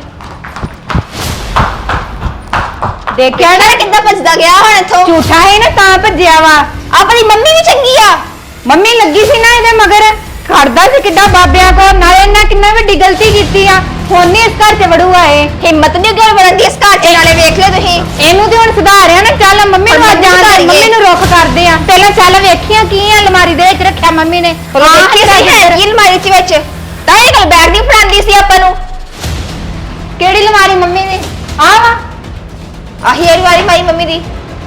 Speaker 2: ਦੇਖਿਆ ਨਾ ਕਿੱਦਾਂ ਭੱਜਦਾ ਗਿਆ ਹੁਣ ਇੱਥੋਂ
Speaker 3: ਝੂਠਾ ਹੈ ਨਾ ਤਾਂ ਭੱਜਿਆ ਵਾ
Speaker 2: ਆਪਣੀ ਮੰਮੀ ਵੀ ਚੰਗੀ ਆ
Speaker 3: ਮੰਮੀ ਲੱਗੀ ਸੀ ਨਾ ਇਹਦੇ ਮਗਰ ਖੜਦਾ ਸੀ ਕਿੱਡਾ ਬਾਬਿਆਂ ਕੋ ਨਾਲੇ ਇਹਨਾਂ ਕਿੰਨਾ ਵੱਡੀ ਗਲਤੀ ਕੀਤੀ ਆ ਹੁਣ ਨਹੀਂ ਇਸ ਘਰ 'ਚ ਵੜੂਗਾ ਇਹ
Speaker 2: ਹਿੰਮਤ ਨਹੀਂ ਕਿਉਂ ਬਣਨ ਦੀ ਇਸ ਘਰ 'ਚ ਨਾਲੇ ਵੇਖ ਲਿਓ ਤੁਸੀਂ
Speaker 3: ਇਹਨੂੰ ਤੇ ਹੁਣ ਸੁਧਾਰਿਆ ਨਾ ਚੱਲ ਮੰਮੀ ਨੂੰ ਅੱਜ ਜਾਣ ਮੰਮੀ ਨੂੰ ਰੁੱਖ ਕਰਦੇ ਆ ਪਹਿਲਾਂ ਚੱਲ ਵੇਖੀਆਂ ਕੀ ਆ ਅਲਮਾਰੀ ਦੇ ਵਿੱਚ ਰੱਖਿਆ ਮੰਮੀ ਨੇ
Speaker 2: ਦੇਖੀ ਸਹੀ ਹੈ ਕੀ ਅਲਮਾਰੀ 'ਚ ਵਿੱਚ ਤਾਂ ਇਹ ਕੋਲ ਬੈਗ ਨਹੀਂ ਫੜਾਉਂਦੀ ਸੀ ਆਪਾਂ ਨੂੰ
Speaker 3: ਕਿਹੜੀ ਅਲਮਾਰੀ ਮੰਮੀ ਨੇ ਆ ਵਾ
Speaker 2: ਆਹੀ ਅਲਮਾਰੀ ਮਾਰੀ ਮੰਮੀ ਦੀ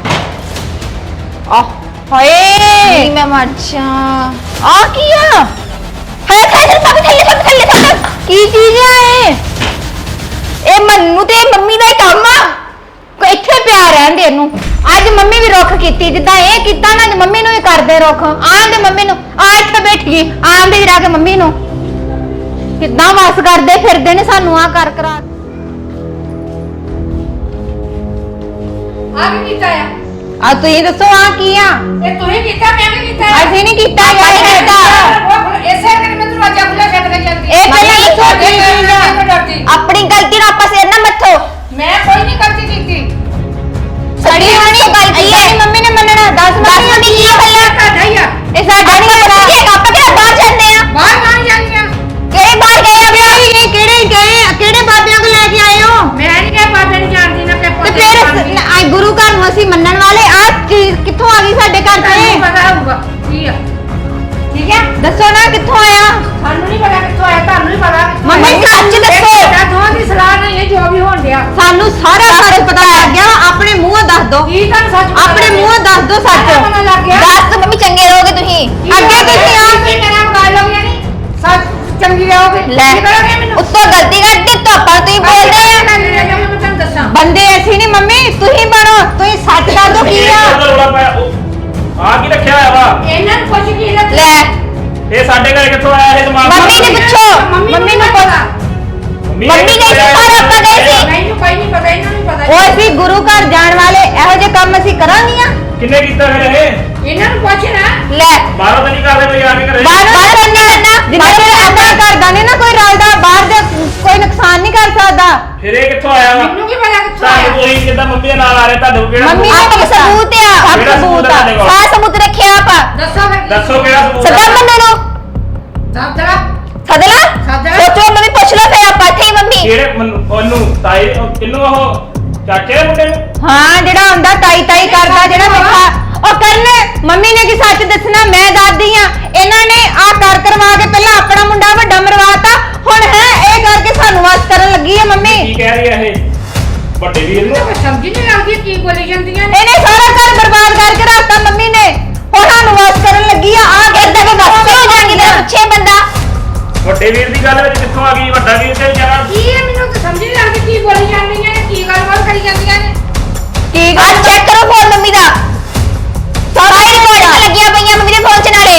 Speaker 3: ਹਾਏ
Speaker 2: ਮੈਂ ਮਰ ਜਾ ਆ ਕੀ ਆ ਹਾਏ ਥੱਲੇ ਥੱਲੇ
Speaker 3: ਕੀ ਚੀਜ਼ ਆ
Speaker 2: ਇਹ ਮੰਨੂ ਤੇ ਮੰਮੀ ਦਾ ਹੀ ਕੰਮ ਆ
Speaker 3: ਕੋਈ ਇੱਥੇ ਪਿਆ ਰਹਿੰਦੇ ਇਹਨੂੰ ਅੱਜ ਮੰਮੀ ਵੀ ਰੁੱਖ ਕੀਤੀ ਜਿੱਦਾਂ ਇਹ ਕੀਤਾ ਨਾ ਅੱਜ ਮੰਮੀ ਨੂੰ ਵੀ ਕਰਦੇ ਰੁੱਖ ਆਂਦੇ ਮੰਮੀ ਨੂੰ ਆ ਇੱਥੇ ਬੈਠ ਗਈ ਆਂਦੇ ਜਰਾ ਕੇ ਮੰਮੀ ਨੂੰ ਕਿੱਦਾਂ ਵਾਸ ਕਰਦੇ ਫਿਰਦੇ ਨੇ ਸਾਨੂੰ ਆ ਕਰ ਕਰਾ
Speaker 1: ਆ ਕੀ ਕੀਤਾ ਆ
Speaker 3: ਆ ਤੁਸੀਂ ਦੱਸੋ ਆ ਕੀ ਆ
Speaker 1: ਇਹ ਤੂੰ ਹੀ ਕੀਤਾ ਮੈਂ ਵੀ ਕੀਤਾ
Speaker 3: ਅਸੀਂ ਨਹੀਂ ਕੀਤਾ
Speaker 2: ਆਪਾਂ
Speaker 3: ਯਾਰ
Speaker 2: ਨਹੀਂ ਕੀਤਾ।
Speaker 1: ਇਸੇ ਕਰਕੇ ਮੈਂ ਦਰਵਾਜ਼ਾ ਖੁੱਲਾ ਛੱਡ ਕੇ ਜਾਂਦੀ
Speaker 2: ਇਹ ਪਹਿਲਾਂ ਹੀ
Speaker 3: ਦੱਸੋ ਕੀ ਚੀਜ਼ ਆ
Speaker 2: ਆਪਣੀ ਗਲਤੀ ਨਾਲ ਆਪਾਂ ਸਿਰ ਨਾ ਮੱਥੋ
Speaker 1: ਮੈਂ ਕੋਈ ਨਹੀਂ ਗਲਤੀ ਕੀਤੀ
Speaker 2: ਸੜੀ ਹੋਣੀ ਗਲਤੀ ਹੈ
Speaker 3: ਮੰਮੀ ਨੇ ਮੰਨਣਾ ਦੱਸ
Speaker 2: ਦੱਸ ਮੰਮੀ ਕੀ ਪਹਿਲਾਂ
Speaker 1: ਤੁਹਾਡਾ ਹੀ ਆ
Speaker 3: ਇਹ ਸਾਡਾ ਨਹੀਂ
Speaker 2: ਆਪਾਂ
Speaker 3: ਪਤਾ
Speaker 2: ਆਪਾਂ ਕਿਹੜਾ ਬਾਹਰ ਜਾਂਦੇ ਆ
Speaker 1: ਬਾਹਰ ਮਾਰ ਜਾਂਦੀਆਂ
Speaker 2: ਕਿਹੜੇ ਬਾਹਰ ਗਏ ਆ
Speaker 3: ਕਿਹੜੇ ਬਾਬਿਆਂ ਕੋ ਲੈ ਕੇ ਆਏ ਹੋ
Speaker 1: ਮੈਂ ਨਹੀਂ ਕਿਹਾ ਬਾਬੇ ਨੂੰ ਜਾਣਦੀ ਨਾ
Speaker 3: ਤੇ
Speaker 1: ਪੇਪਰ
Speaker 3: ਫਿਰ ਅੱਜ ਗੁਰੂ ਘਰ ਨੂੰ ਅਸੀਂ ਮੰਨਣ ਵਾਲੇ ਆ ਚੀਜ਼ ਕਿੱਥੋਂ ਆ ਗਈ ਸਾਡੇ ਘਰ
Speaker 1: ਤੁਹਾਨੂੰ
Speaker 3: ਤੇ
Speaker 1: ਪਤਾ ਹੋਊਗਾ ਕੀ ਆ ਠੀਕ ਹੈ
Speaker 3: ਦੱਸੋ ਨਾ ਕਿੱਥੋਂ ਆਇਆ
Speaker 1: ਸਾਨੂੰ ਨਹੀਂ ਪਤਾ ਕਿੱਥੋਂ ਆਇਆ ਤੁਹਾਨੂੰ ਨਹੀਂ ਪਤਾ ਕਿੱਥੋਂ
Speaker 3: ਮੰਮੀ,
Speaker 1: ਆਇਆ।
Speaker 2: ਸੱਚ ਦੱਸੋ।
Speaker 1: ਇਹ ਤੁਹਾਡਾ ਦੋਵਾਂ ਦੀ ਸਲਾਹ ਨਹੀਂ ਹੈ ਜੋ ਵੀ ਹੋਣ ਡਿਆ
Speaker 3: ਸਾਨੂੰ ਸਾਰਾ ਸੱਚ ਪਤਾ ਲੱਗ ਗਿਆ ਆਪਣੇ ਮੂੰਹੋਂ ਦੱਸ ਦੋ
Speaker 1: ਕੀ ਤੁਹਾਨੂੰ ਸੱਚ ਪਤਾ
Speaker 3: ਆਪਣੇ
Speaker 1: ਲੱਗਿਆ?
Speaker 3: ਮੂੰਹੋਂ ਦੱਸ ਦੋ
Speaker 1: ਸਾਰਾ
Speaker 3: ਸੱਚ
Speaker 1: ਪਤਾ ਲੱਗ ਗਿਆ
Speaker 2: ਦੱਸ ਮੰਮੀ ਚੰਗੇ ਰਹੋਗੇ ਤੁਸੀਂ
Speaker 3: ਅੱਗੇ ਕੀਤੀ ਆ
Speaker 1: ਤੁਸੀਂ ਮੇਰਾ ਮਕਾਲ ਲੋਗੇ ਨਹੀਂ ਸੱਚ ਚੰਗੀ ਰਹੋਗੇ
Speaker 2: ਲੈ
Speaker 1: ਕੀ ਕਰੋਗੇ ਮੈਨੂੰ
Speaker 2: ਉੱਤੋਂ ਗਲਤੀ ਕਰਤੀ ਤਾਂ ਆਪਾਂ ਤੁਸੀਂ ਬੋਲਦੇ ਆ
Speaker 1: ਮੈਂ ਤੁਹਾਨੂੰ ਦੱਸਾਂ
Speaker 3: ਬੰਦੇ ਅਸੀਂ ਨਹੀਂ ਮੰਮੀ ਤੁਸੀਂ ਬਣੋ ਤੁਸੀਂ ਸੱਚ ਦੱਸ ਦੋ ਕੀ ਆ
Speaker 4: ਆ ਕੀ ਰੱਖਿਆ ਹੋਇਆ ਵਾ
Speaker 1: ਇਹਨਾਂ ਨੂੰ ਪੁੱਛ ਕੀ ਰੱਖ
Speaker 2: ਲੈ
Speaker 4: ਇਹ ਸਾਡੇ ਘਰ ਕਿੱਥੋਂ ਆਇਆ ਇਹ ਦਿਮਾਗ
Speaker 2: ਮੰਮੀ ਨੇ ਪੁੱਛੋ
Speaker 3: ਮੰਮੀ ਨੂੰ ਪਤਾ
Speaker 2: ਮੰਮੀ ਗਈ ਸੀ ਬਾਹਰ ਆਪਾਂ ਗਏ ਸੀ
Speaker 1: ਮੈਨੂੰ ਕੋਈ ਨਹੀਂ ਪਤਾ ਇਹਨਾਂ ਨੂੰ ਪਤਾ
Speaker 3: ਉਹ ਅਸੀਂ ਗੁਰੂ ਘਰ ਜਾਣ ਵਾਲੇ ਇਹੋ ਜਿਹੇ ਕੰਮ ਅਸੀਂ ਕਰਾਂਗੀਆਂ
Speaker 4: ਕਿੰਨੇ ਕੀਤਾ ਫਿਰ ਇਹ
Speaker 1: ਇਹਨਾਂ ਨੂੰ ਪੁੱਛ ਨਾ
Speaker 2: ਲੈ
Speaker 4: ਬਾਹਰੋਂ ਤਾਂ ਨਹੀਂ ਕਰਦੇ ਕੋਈ ਆ ਕੇ ਘਰੇ
Speaker 2: ਬਾਹਰ ਨਹੀਂ ਕਰਨਾ
Speaker 3: ਜਿੰਨੇ ਆਪਣਾ ਘਰ ਦਾ ਨਹੀਂ ਨਾ ਕੋਈ ਰਲਦਾ ਬਾਹਰ ਦੇ ਕੋਈ ਨੁਕਸਾਨ ਨਹੀਂ ਕਰ ਸਕਦਾ
Speaker 4: ਫਿਰ ਇਹ ਕਿੱਥੋਂ ਆਇਆ ਵਾ
Speaker 1: ਮੈਨੂੰ ਕੀ ਪਤਾ ਕਿੱਥੋਂ
Speaker 4: ਤੁਹਾਨੂੰ
Speaker 1: ਆਇਆ
Speaker 4: ਤੁਸੀਂ ਕਿੱਦਾਂ ਮੰਮੀ ਦੇ ਨਾਲ ਆ ਰਹੇ ਤੁਹਾਨੂੰ ਕਿਹੜਾ
Speaker 3: ਮੰਮੀ
Speaker 4: ਸਬੂਤ?
Speaker 2: ਆਪਾਂ ਕੋਲ ਸਬੂਤ ਆ
Speaker 3: ਸਭ
Speaker 4: ਕਿਹੜਾ
Speaker 3: ਸਬੂਤ ਆ
Speaker 4: ਤੁਹਾਡੇ ਕੋਲ?
Speaker 2: ਸਾਰਾ ਸਬੂਤ ਰੱਖਿਆ ਆਪਾਂ
Speaker 1: ਦੱਸੋ ਫਿਰ
Speaker 4: ਦੱਸੋ ਕਿਹੜਾ ਸਬੂਤ
Speaker 2: ਸਦਾ
Speaker 4: ਆ?
Speaker 2: ਮੰਨੂ ਨੂੰ
Speaker 1: ਦਾਦਰਾ
Speaker 2: ਸਦਲਾ
Speaker 1: ਸਦਲਾ।
Speaker 2: ਸੋਚੋ ਮੰਮੀ ਪੁੱਛ ਲਓ ਫਿਰ ਆਪਾਂ ਇੱਥੇ ਹੀ ਮੰਮੀ
Speaker 4: ਕਿਹੜੇ ਉਹਨੂੰ ਤਾਈ ਕਿੰਨੂੰ ਉਹ ਚਾਚੇ ਦੇ ਮੁੰਡੇ ਨੂੰ
Speaker 3: ਹਾਂ ਜਿਹੜਾ ਹੁੰਦਾ ਤਾਈ ਤਾਈ ਕਰਦਾ ਜਿਹੜਾ ਮਿੱਠਾ ਉਹ ਕਰਨ ਮੰਮੀ ਨੇ ਕੀ ਸੱਚ ਦੱਸਣਾ ਮੈਂ ਦੱਸਦੀ ਆ ਇਹਨਾਂ ਨੇ ਆ ਕਰ ਕਰਵਾ ਕੇ ਪਹਿਲਾਂ ਆਪਣਾ ਮੁੰਡਾ ਵੱਡਾ ਮਰਵਾਤਾ ਹੁਣ ਹੈ ਇਹ ਕਰਕੇ ਸਾਨੂੰ ਵਾਸ ਕਰਨ ਲੱਗੀ ਆ ਮੰਮੀ
Speaker 4: ਕੀ ਕਹਿ ਰਹੀ ਹੈ ਇਹ ਵੱਡੇ ਵੀਰ ਨੂੰ
Speaker 1: ਕੋਈ ਸਮਝ ਨਹੀਂ ਲੱਗਦੀ ਕੀ ਬੋਲੀ ਜਾਂਦੀਆਂ ਨੇ
Speaker 3: ਇਹਨੇ ਸਾਰਾ ਘਰ ਬਰਬਾਦ ਕਰਕੇ ਰੱਖਤਾ ਮੰਮੀ ਨੇ ਹੁਣ ਸਾਨੂੰ ਵਾਸ ਕਰਨ ਲੱਗੀ ਆ
Speaker 2: ਏਦਾਂ ਦੇ ਗੁੱਸੇ ਹੋ ਜਾਣਗੇ ਤੇਰਾ ਪੁੱਛੇ ਬੰਦਾ
Speaker 4: ਵੱਡੇ ਵੀਰ ਦੀ ਗੱਲ ਵਿੱਚ ਕਿੱਥੋਂ ਆ ਗਈ ਵੱਡਾ ਵੀਰ ਤੇ ਜਰਾ
Speaker 1: ਕੀ ਹੈ ਮੈਨੂੰ ਤਾਂ ਸਮਝ ਨਹੀਂ ਲੱਗਦੀ ਕੀ ਬੋਲੀ ਜਾਂਦੀਆਂ ਨੇ ਕੀ ਗੱਲਬਾਤ ਕਰੀ ਜਾਂਦੀਆਂ ਨੇ
Speaker 2: ਕੀ ਗੱਲ ਚੈੱਕ ਕਰੋ ਫੋਨ ਮੰਮੀ ਦਾ ਸਾਰੀ ਰਿਕਾਰਡਿੰਗ ਲੱਗੀਆਂ ਪਈਆਂ ਮੰਮੀ ਦੇ ਫੋਨ 'ਚ ਨਾਲੇ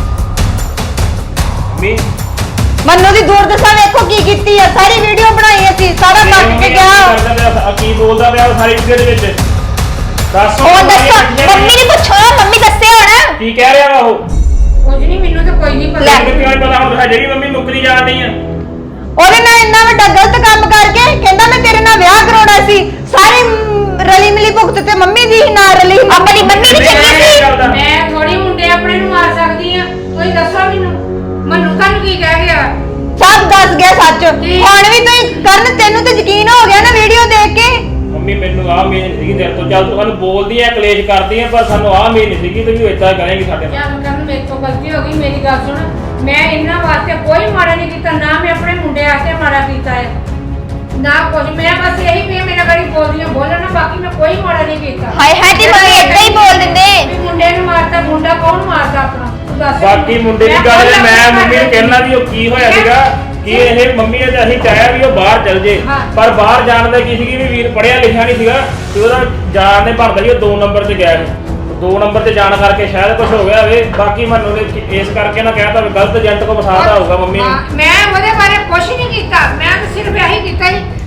Speaker 4: ਮੰਮੀ
Speaker 3: ਮੰਨੂ ਦੀ ਦੁਰਦਸ਼ਾ ਵੇਖੋ ਕੀ ਕੀਤੀ ਆ ਸਾਰੀ ਵੀਡੀਓ ਬਣਾਈ ਅਸੀਂ ਸਾਰਾ ਕੱਟ ਕੇ ਗਿਆ
Speaker 4: ਕੀ ਬੋਲਦਾ ਪਿਆ ਉਹ ਸਾਰੀ ਵੀਡੀਓ ਦੇ ਵਿੱਚ ਦੱਸੋ
Speaker 2: ਉਹ ਦੱਸੋ ਮੰਮੀ ਨੂੰ ਪੁੱਛੋ ਮੰਮੀ ਦੱਸੇ ਹੁਣ
Speaker 4: ਕੀ ਕਹਿ ਰਿਹਾ ਵਾ ਉਹ
Speaker 1: ਕੁਝ ਨਹੀਂ ਮੈਨੂੰ ਤਾਂ ਕੋਈ ਨਹੀਂ ਪਤਾ
Speaker 4: ਮੈਨੂੰ ਕਿਉਂ ਨੀ ਪਤਾ ਹੁਣ ਜਿਹੜੀ ਮੰਮੀ ਮੁੱਕਰੀ ਜਾਂਦੀ ਆ
Speaker 3: ਉਹਦੇ ਨਾਲ ਇੰਨਾ ਵੱਡਾ ਗਲਤ ਕੰਮ ਕਰਕੇ ਕਹਿੰਦਾ ਮੈਂ ਤੇਰੇ ਨਾਲ ਵਿਆਹ ਕਰਾਉਣਾ ਸੀ ਸਾਰੀ ਰਲੀ ਮਿਲੀ ਭੁਗਤ ਤੇ ਮੰਮੀ ਦੀ ਹੀ ਨਾਲ ਰਲੀ
Speaker 2: ਆਪਣੀ ਮੰਮੀ ਦੀ ਚੰਗੀ ਸੀ
Speaker 1: ਮੈਂ ਥੋੜੀ ਮੁੰਡੇ ਆਪਣੇ ਨੂੰ ਮਾਰ ਸਕਦੀ ਆ ਤੁਸੀਂ ਦੱਸੋ ਮੈਨੂੰ ਤੁਹਾਨੂੰ ਕੀ ਕਹਿ ਗਿਆ
Speaker 3: ਸਭ ਦੱਸ ਗਿਆ ਸੱਚ
Speaker 1: ਕੀ?
Speaker 3: ਹੁਣ ਵੀ ਤੂੰ ਕਰਨ ਤੈਨੂੰ ਤੇ ਯਕੀਨ ਹੋ ਗਿਆ ਨਾ ਵੀਡੀਓ ਦੇਖ ਕੇ
Speaker 4: ਮੰਮੀ ਮੈਨੂੰ ਆਹ ਮੇਨ ਸੀਗੀ ਤੇਰੇ ਤੋਂ ਚੱਲ ਤੂੰ ਸਾਨੂੰ ਬੋਲਦੀ ਆ ਕਲੇਸ਼ ਕਰਦੀ ਆ ਪਰ ਸਾਨੂੰ ਆਹ ਮੇਨ ਨਹੀਂ ਸੀਗੀ ਤੂੰ ਇਦਾਂ ਕਰੇਂਗੀ ਸਾਡੇ ਨਾਲ
Speaker 1: ਕਿਆ ਕਰਨ ਮੇਰੇ ਤੋਂ ਗਲਤੀ ਹੋ ਗਈ ਮੇਰੀ ਗੱਲ ਸੁਣ ਮੈਂ ਇਹਨਾਂ ਵਾਸਤੇ ਕੋਈ ਮਾੜਾ ਨਹੀਂ ਕੀਤਾ ਨਾ ਮੈਂ ਆਪਣੇ ਮੁੰਡੇ ਵਾਸਤੇ ਮਾੜਾ ਕੀਤਾ ਹੈ ਨਾ ਕੁਝ ਮੈਂ ਬਸ ਇਹੀ ਵੀ ਮੇਰਾ ਗੜੀ ਬੋਲਦੀਆਂ ਬੋਲਣਾ ਬਾਕੀ ਮੈਂ ਕੋਈ ਮਾੜਾ ਨਹੀਂ ਕੀਤਾ
Speaker 2: ਹਾਏ ਹਾਏ ਤੇ ਮੰਮੀ ਏਦਾਂ ਹੀ ਬੋਲ ਦਿੰਦੇ
Speaker 1: ਵੀ ਮੁੰਡੇ ਨੂੰ ਮਾਰਦਾ ਮੁੰਡਾ ਕੌਣ ਮਾਰਦਾ ਆਪਣਾ ਤੂੰ ਦੱਸ
Speaker 4: ਬਾਕੀ ਮੁੰਡੇ ਦੀ ਗੱਲ ਜੇ ਮੈਂ ਮੰਮੀ ਨੂੰ ਕਹਿਣਾ ਵੀ ਉਹ ਕੀ ਹੋਇਆ ਸੀਗਾ ਕਿ ਇਹ ਮੰਮੀ ਨੇ ਤਾਂ ਅਸੀਂ ਚਾਹਿਆ ਵੀ ਉਹ ਬਾਹਰ ਚਲ ਜੇ
Speaker 1: ਹਾਂ।
Speaker 4: ਪਰ ਬਾਹਰ ਜਾਣ ਦਾ ਕੀ ਸੀਗੀ ਵੀ ਵੀਰ ਪੜਿਆ ਲਿਖਿਆ ਨਹੀਂ ਸੀਗਾ ਤੇ ਉਹਦਾ ਜਾਣ ਦੇ ਬਣਦਾ ਸੀ ਉਹ 2 ਨੰਬਰ 'ਚ ਗਿਆ ਸੀ 2 ਨੰਬਰ ਤੇ ਜਾਣ ਕਰਕੇ ਸ਼ਾਇਦ ਕੁਝ ਹੋ ਗਿਆ ਹੋਵੇ ਬਾਕੀ ਮੈਨੂੰ ਨੇ ਇਸ ਕਰਕੇ ਨਾ ਕਹਿਤਾ ਵੀ ਗਲਤ ਏਜੰਟ ਕੋ ਫਸਾਤਾ ਹੋਊਗਾ ਮੰਮੀ ਨੂੰ
Speaker 1: ਹਾਂ, ਮੈਂ ਉਹਦੇ ਬਾਰੇ ਕੁਝ ਨਹੀਂ ਕੀਤਾ ਮੈਂ ਤਾਂ ਸਿਰਫ ਇਹੀ ਕੀਤਾ ਸੀ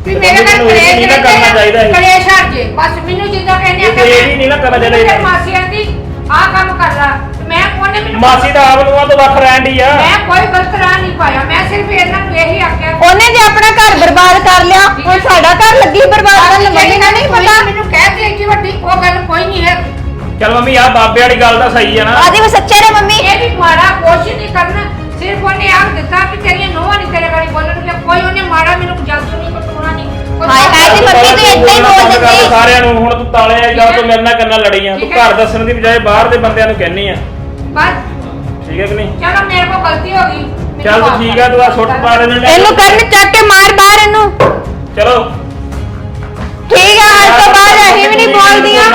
Speaker 1: ਵੀ ਮੇਰੇ ਨਾਲ
Speaker 4: ਤੈਨੂੰ ਇਹ ਨਹੀਂ ਨਾ ਕਰਨਾ ਚਾਹੀਦਾ ਸੀ।
Speaker 1: ਕਲੇਸ਼ ਹਟ ਜੇ ਬਸ ਮੈਨੂੰ ਜਿੱਦਾਂ ਕਹਿੰਦੇ ਆ
Speaker 4: ਇਹ ਵੀ ਨਹੀਂ ਨਾ ਕਰਨਾ ਚਾਹੀਦਾ
Speaker 1: ਫਿਰ
Speaker 4: ਸੀ।
Speaker 1: ਮਾਸੀ ਆਂਦੀ ਆਹ ਕੰਮ ਕਰ ਲਾ ਮੈਂ ਉਹਨੇ ਮੈਨੂੰ
Speaker 4: ਮਾਸੀ ਦਾ ਆਪ ਨੂੰ ਤੋਂ ਵੱਖ ਰਹਿਣ ਦੀ ਆ।
Speaker 1: ਮੈਂ ਕੋਈ ਗਲਤ ਰਾਹ ਨਹੀਂ ਪਾਇਆ ਮੈਂ ਸਿਰਫ ਇਹਨਾਂ ਨੂੰ ਇਹੀ ਆਖਿਆ
Speaker 3: ਉਹਨੇ ਜੇ ਆਪਣਾ ਘਰ ਬਰਬਾਦ ਕਰ ਲਿਆ ਹੁਣ ਸਾਡਾ ਘਰ ਲੱਗੀ ਬਰਬਾਦ ਕਰਨ ਮੰਮੀ ਨੂੰ ਨਹੀਂ ਪਤਾ
Speaker 1: ਮੈਨੂੰ ਕਹਿ ਦੇ ਕਿ ਵੱਡੀ ਉਹ ਗੱਲ ਕੋਈ ਨਹੀਂ ਹੈ
Speaker 4: ਚੱਲ ਮੰਮੀ ਆ ਬਾਬੇ ਵਾਲੀ ਗੱਲ ਤਾਂ ਸਹੀ ਆ ਨਾ।
Speaker 3: ਆਦੀ ਮੈਂ ਸੱਚੇ ਨੇ ਮੰਮੀ
Speaker 1: ਇਹ ਵੀ ਮਾੜਾ ਕੁਛ ਨਹੀਂ ਕਰਨਾ ਸਿਰਫ ਉਹਨੇ ਆਖ ਦਿੱਤਾ ਕਿ ਤੇਰੀਆਂ ਨੋਹਾਂ ਨਹੀਂ ਤੇਰੇ ਗਾੜੀ ਬੋਲਣਗੇ ਕੋਈ ਉਹਨੇ ਮਾੜਾ ਮੈਨੂੰ ਜਲਦ ਨਹੀਂ ਕਟੂਣਾ ਨਹੀਂ
Speaker 3: ਹਾਏ ਹਾਏ ਤੇ ਮੰਮੀ ਤੂੰ ਏਦਾਂ ਹੀ ਬੋਲ ਦਿੰਦੀ
Speaker 4: ਸਾਰਿਆਂ ਨੂੰ ਹੁਣ ਤੂੰ ਤਾਲੇ ਆ ਜਾ ਤੂੰ ਮੇਰੇ ਨਾਲ ਕੰਨਾਂ ਲੜੀ ਆ ਤੂੰ ਘਰ ਦੱਸਣ ਦੀ ਬਜਾਏ ਬਾਹਰ ਦੇ ਬੰਦਿਆਂ ਨੂੰ ਕਹਿਨੀ ਆ।
Speaker 1: ਬਸ
Speaker 4: ਠੀਕ ਹੈ ਕਿ ਨਹੀਂ?
Speaker 1: ਚਲੋ ਮੇਰੇ ਕੋਲ ਗਲਤੀ ਹੋ ਗਈ ਮੈਨੂੰ
Speaker 4: ਚੱਲ
Speaker 1: ਮਾਫ਼
Speaker 4: ਠੀਕ
Speaker 1: ਕਰ
Speaker 4: ਆ ਤੂੰ ਆ ਸੁੱਟ ਪਾ ਦੇ
Speaker 3: ਇਹਨੂੰ ਕਰਨ ਚੱਕ ਕੇ ਮਾਰ ਬਾਹਰ ਇਹਨੂੰ
Speaker 4: ਚਲੋ
Speaker 3: ਠੀਕ ਆ ਅੱਜ ਤੋਂ ਬਾਅਦ ਅਸੀਂ ਵੀ ਨਹੀਂ ਬੋਲਦੀਆਂ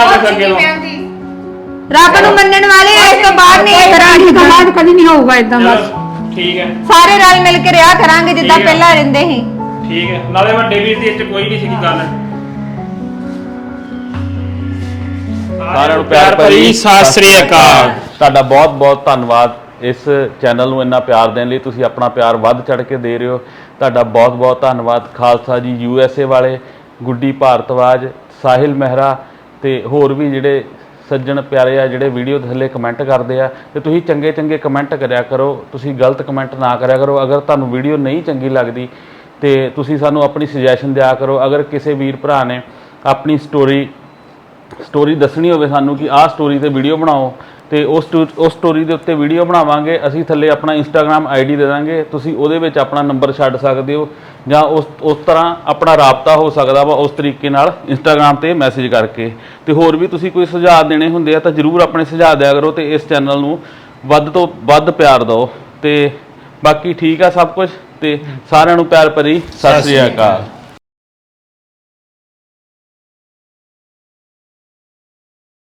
Speaker 3: ਰੱਬ ਨੂੰ ਮੰਨਣ ਵਾਲੇ ਇਸ ਤੋਂ ਬਾਅਦ ਨਹੀਂ ਕਰਾਂਗੇ
Speaker 1: ਬਾਅਦ ਕਦੀ ਨਹੀਂ ਹੋਊਗਾ ਇਦਾਂ ਬਸ
Speaker 4: ਚਲੋ, ਠੀਕ ਹੈ
Speaker 3: ਸਾਰੇ ਰਲ ਮਿਲ ਕੇ ਰਿਹਾ ਕਰਾਂਗੇ ਜਿੱਦਾਂ
Speaker 4: ਠੀਕ ਆ।
Speaker 3: ਪਹਿਲਾਂ ਰਹਿੰਦੇ ਸੀ
Speaker 4: ਠੀਕ ਹੈ ਨਾਲੇ ਵੱਡੇ ਵੀਰ ਦੀ ਇੱਥੇ ਕੋਈ ਨਹੀਂ ਸੀਗੀ ਗੱਲ।
Speaker 5: ਸਾਰਿਆਂ ਨੂੰ ਪਿਆਰ ਭਰੀ
Speaker 4: ਸਤਿ ਸ੍ਰੀ ਅਕਾਲ।
Speaker 5: ਤੁਹਾਡਾ ਬਹੁਤ ਬਹੁਤ ਧੰਨਵਾਦ ਇਸ ਚੈਨਲ ਨੂੰ ਇੰਨਾ ਪਿਆਰ ਦੇਣ ਲਈ। ਤੁਸੀਂ ਆਪਣਾ ਪਿਆਰ ਵੱਧ ਚੜ ਕੇ ਦੇ ਰਹੇ ਹੋ। ਤੁਹਾਡਾ ਬਹੁਤ ਬਹੁਤ ਧੰਨਵਾਦ। ਖਾਲਸਾ ਜੀ USA ਵਾਲੇ, ਗੁੱਡੀ ਭਾਰਤਵਾਜ, ਸਾਹਿਲ ਮਹਿਰਾ ਤੇ ਹੋਰ ਵੀ ਜਿਹੜੇ ਸੱਜਣ ਪਿਆਰੇ ਆ ਜਿਹੜੇ ਵੀਡੀਓ ਥੱਲੇ ਕਮੈਂਟ ਕਰਦੇ ਆ ਤੇ ਤੁਸੀਂ ਚੰਗੇ ਚੰਗੇ ਕਮੈਂਟ ਕਰਿਆ ਕਰੋ। ਤੁਸੀਂ ਗਲਤ ਕਮੈਂਟ ਨਾ ਕਰਿਆ ਕਰੋ। ਅਗਰ ਤੁਹਾਨੂੰ ਵੀਡੀਓ ਨਹੀਂ ਚੰਗੀ ਲੱਗਦੀ ਤੇ ਤੁਸੀਂ ਸਾਨੂੰ ਆਪਣੀ ਸੁਜੈਸ਼ਨ ਦਿਆ ਕਰੋ। ਅਗਰ ਕਿਸੇ ਵੀਰ ਭਰਾ ਨੇ ਆਪਣੀ ਸਟੋਰੀ ਦੱਸਣੀ ਹੋਵੇ ਸਾਨੂੰ ਕਿ ਆਹ ਸਟੋਰੀ ਤੇ ਵੀਡੀਓ ਬਣਾਓ ਤੇ ਉਸ ਸਟੋਰੀ ਦੇ ਉੱਤੇ ਵੀਡੀਓ ਬਣਾਵਾਂਗੇ। ਅਸੀਂ ਥੱਲੇ ਆਪਣਾ ਇੰਸਟਾਗ੍ਰam ID ਦੇ ਦਾਂਗੇ। ਤੁਸੀਂ ਉਹਦੇ ਵਿੱਚ ਆਪਣਾ ਨੰਬਰ ਛੱਡ ਸਕਦੇ ਹੋ ਜਾਂ ਉਸ ਤਰ੍ਹਾਂ ਆਪਣਾ ਰਾਬਤਾ ਹੋ ਸਕਦਾ ਵਾ ਉਸ ਤਰੀਕੇ ਨਾਲ ਇੰਸਟਾਗ੍ਰam ਤੇ ਮੈਸੇਜ ਕਰਕੇ। ਤੇ ਹੋਰ ਵੀ ਤੁਸੀਂ ਕੋਈ ਸੁਝਾਅ ਦੇਣੇ ਹੁੰਦੇ ਆ ਤਾਂ ਜ਼ਰੂਰ ਆਪਣੇ ਸੁਝਾਅ ਦਿਆ ਕਰੋ ਤੇ ਇਸ ਚੈਨਲ ਨੂੰ ਵੱਧ ਤੋਂ ਵੱਧ ਪਿਆਰ ਦਿਓ। ਤੇ ਬਾਕੀ ਠੀਕ ਆ ਸਭ ਕੁਝ ਤੇ ਸਾਰਿਆਂ ਨੂੰ ਪਿਆਰ ਭਰੀ ਸਤਿ ਸ੍ਰੀ ਅਕਾਲ।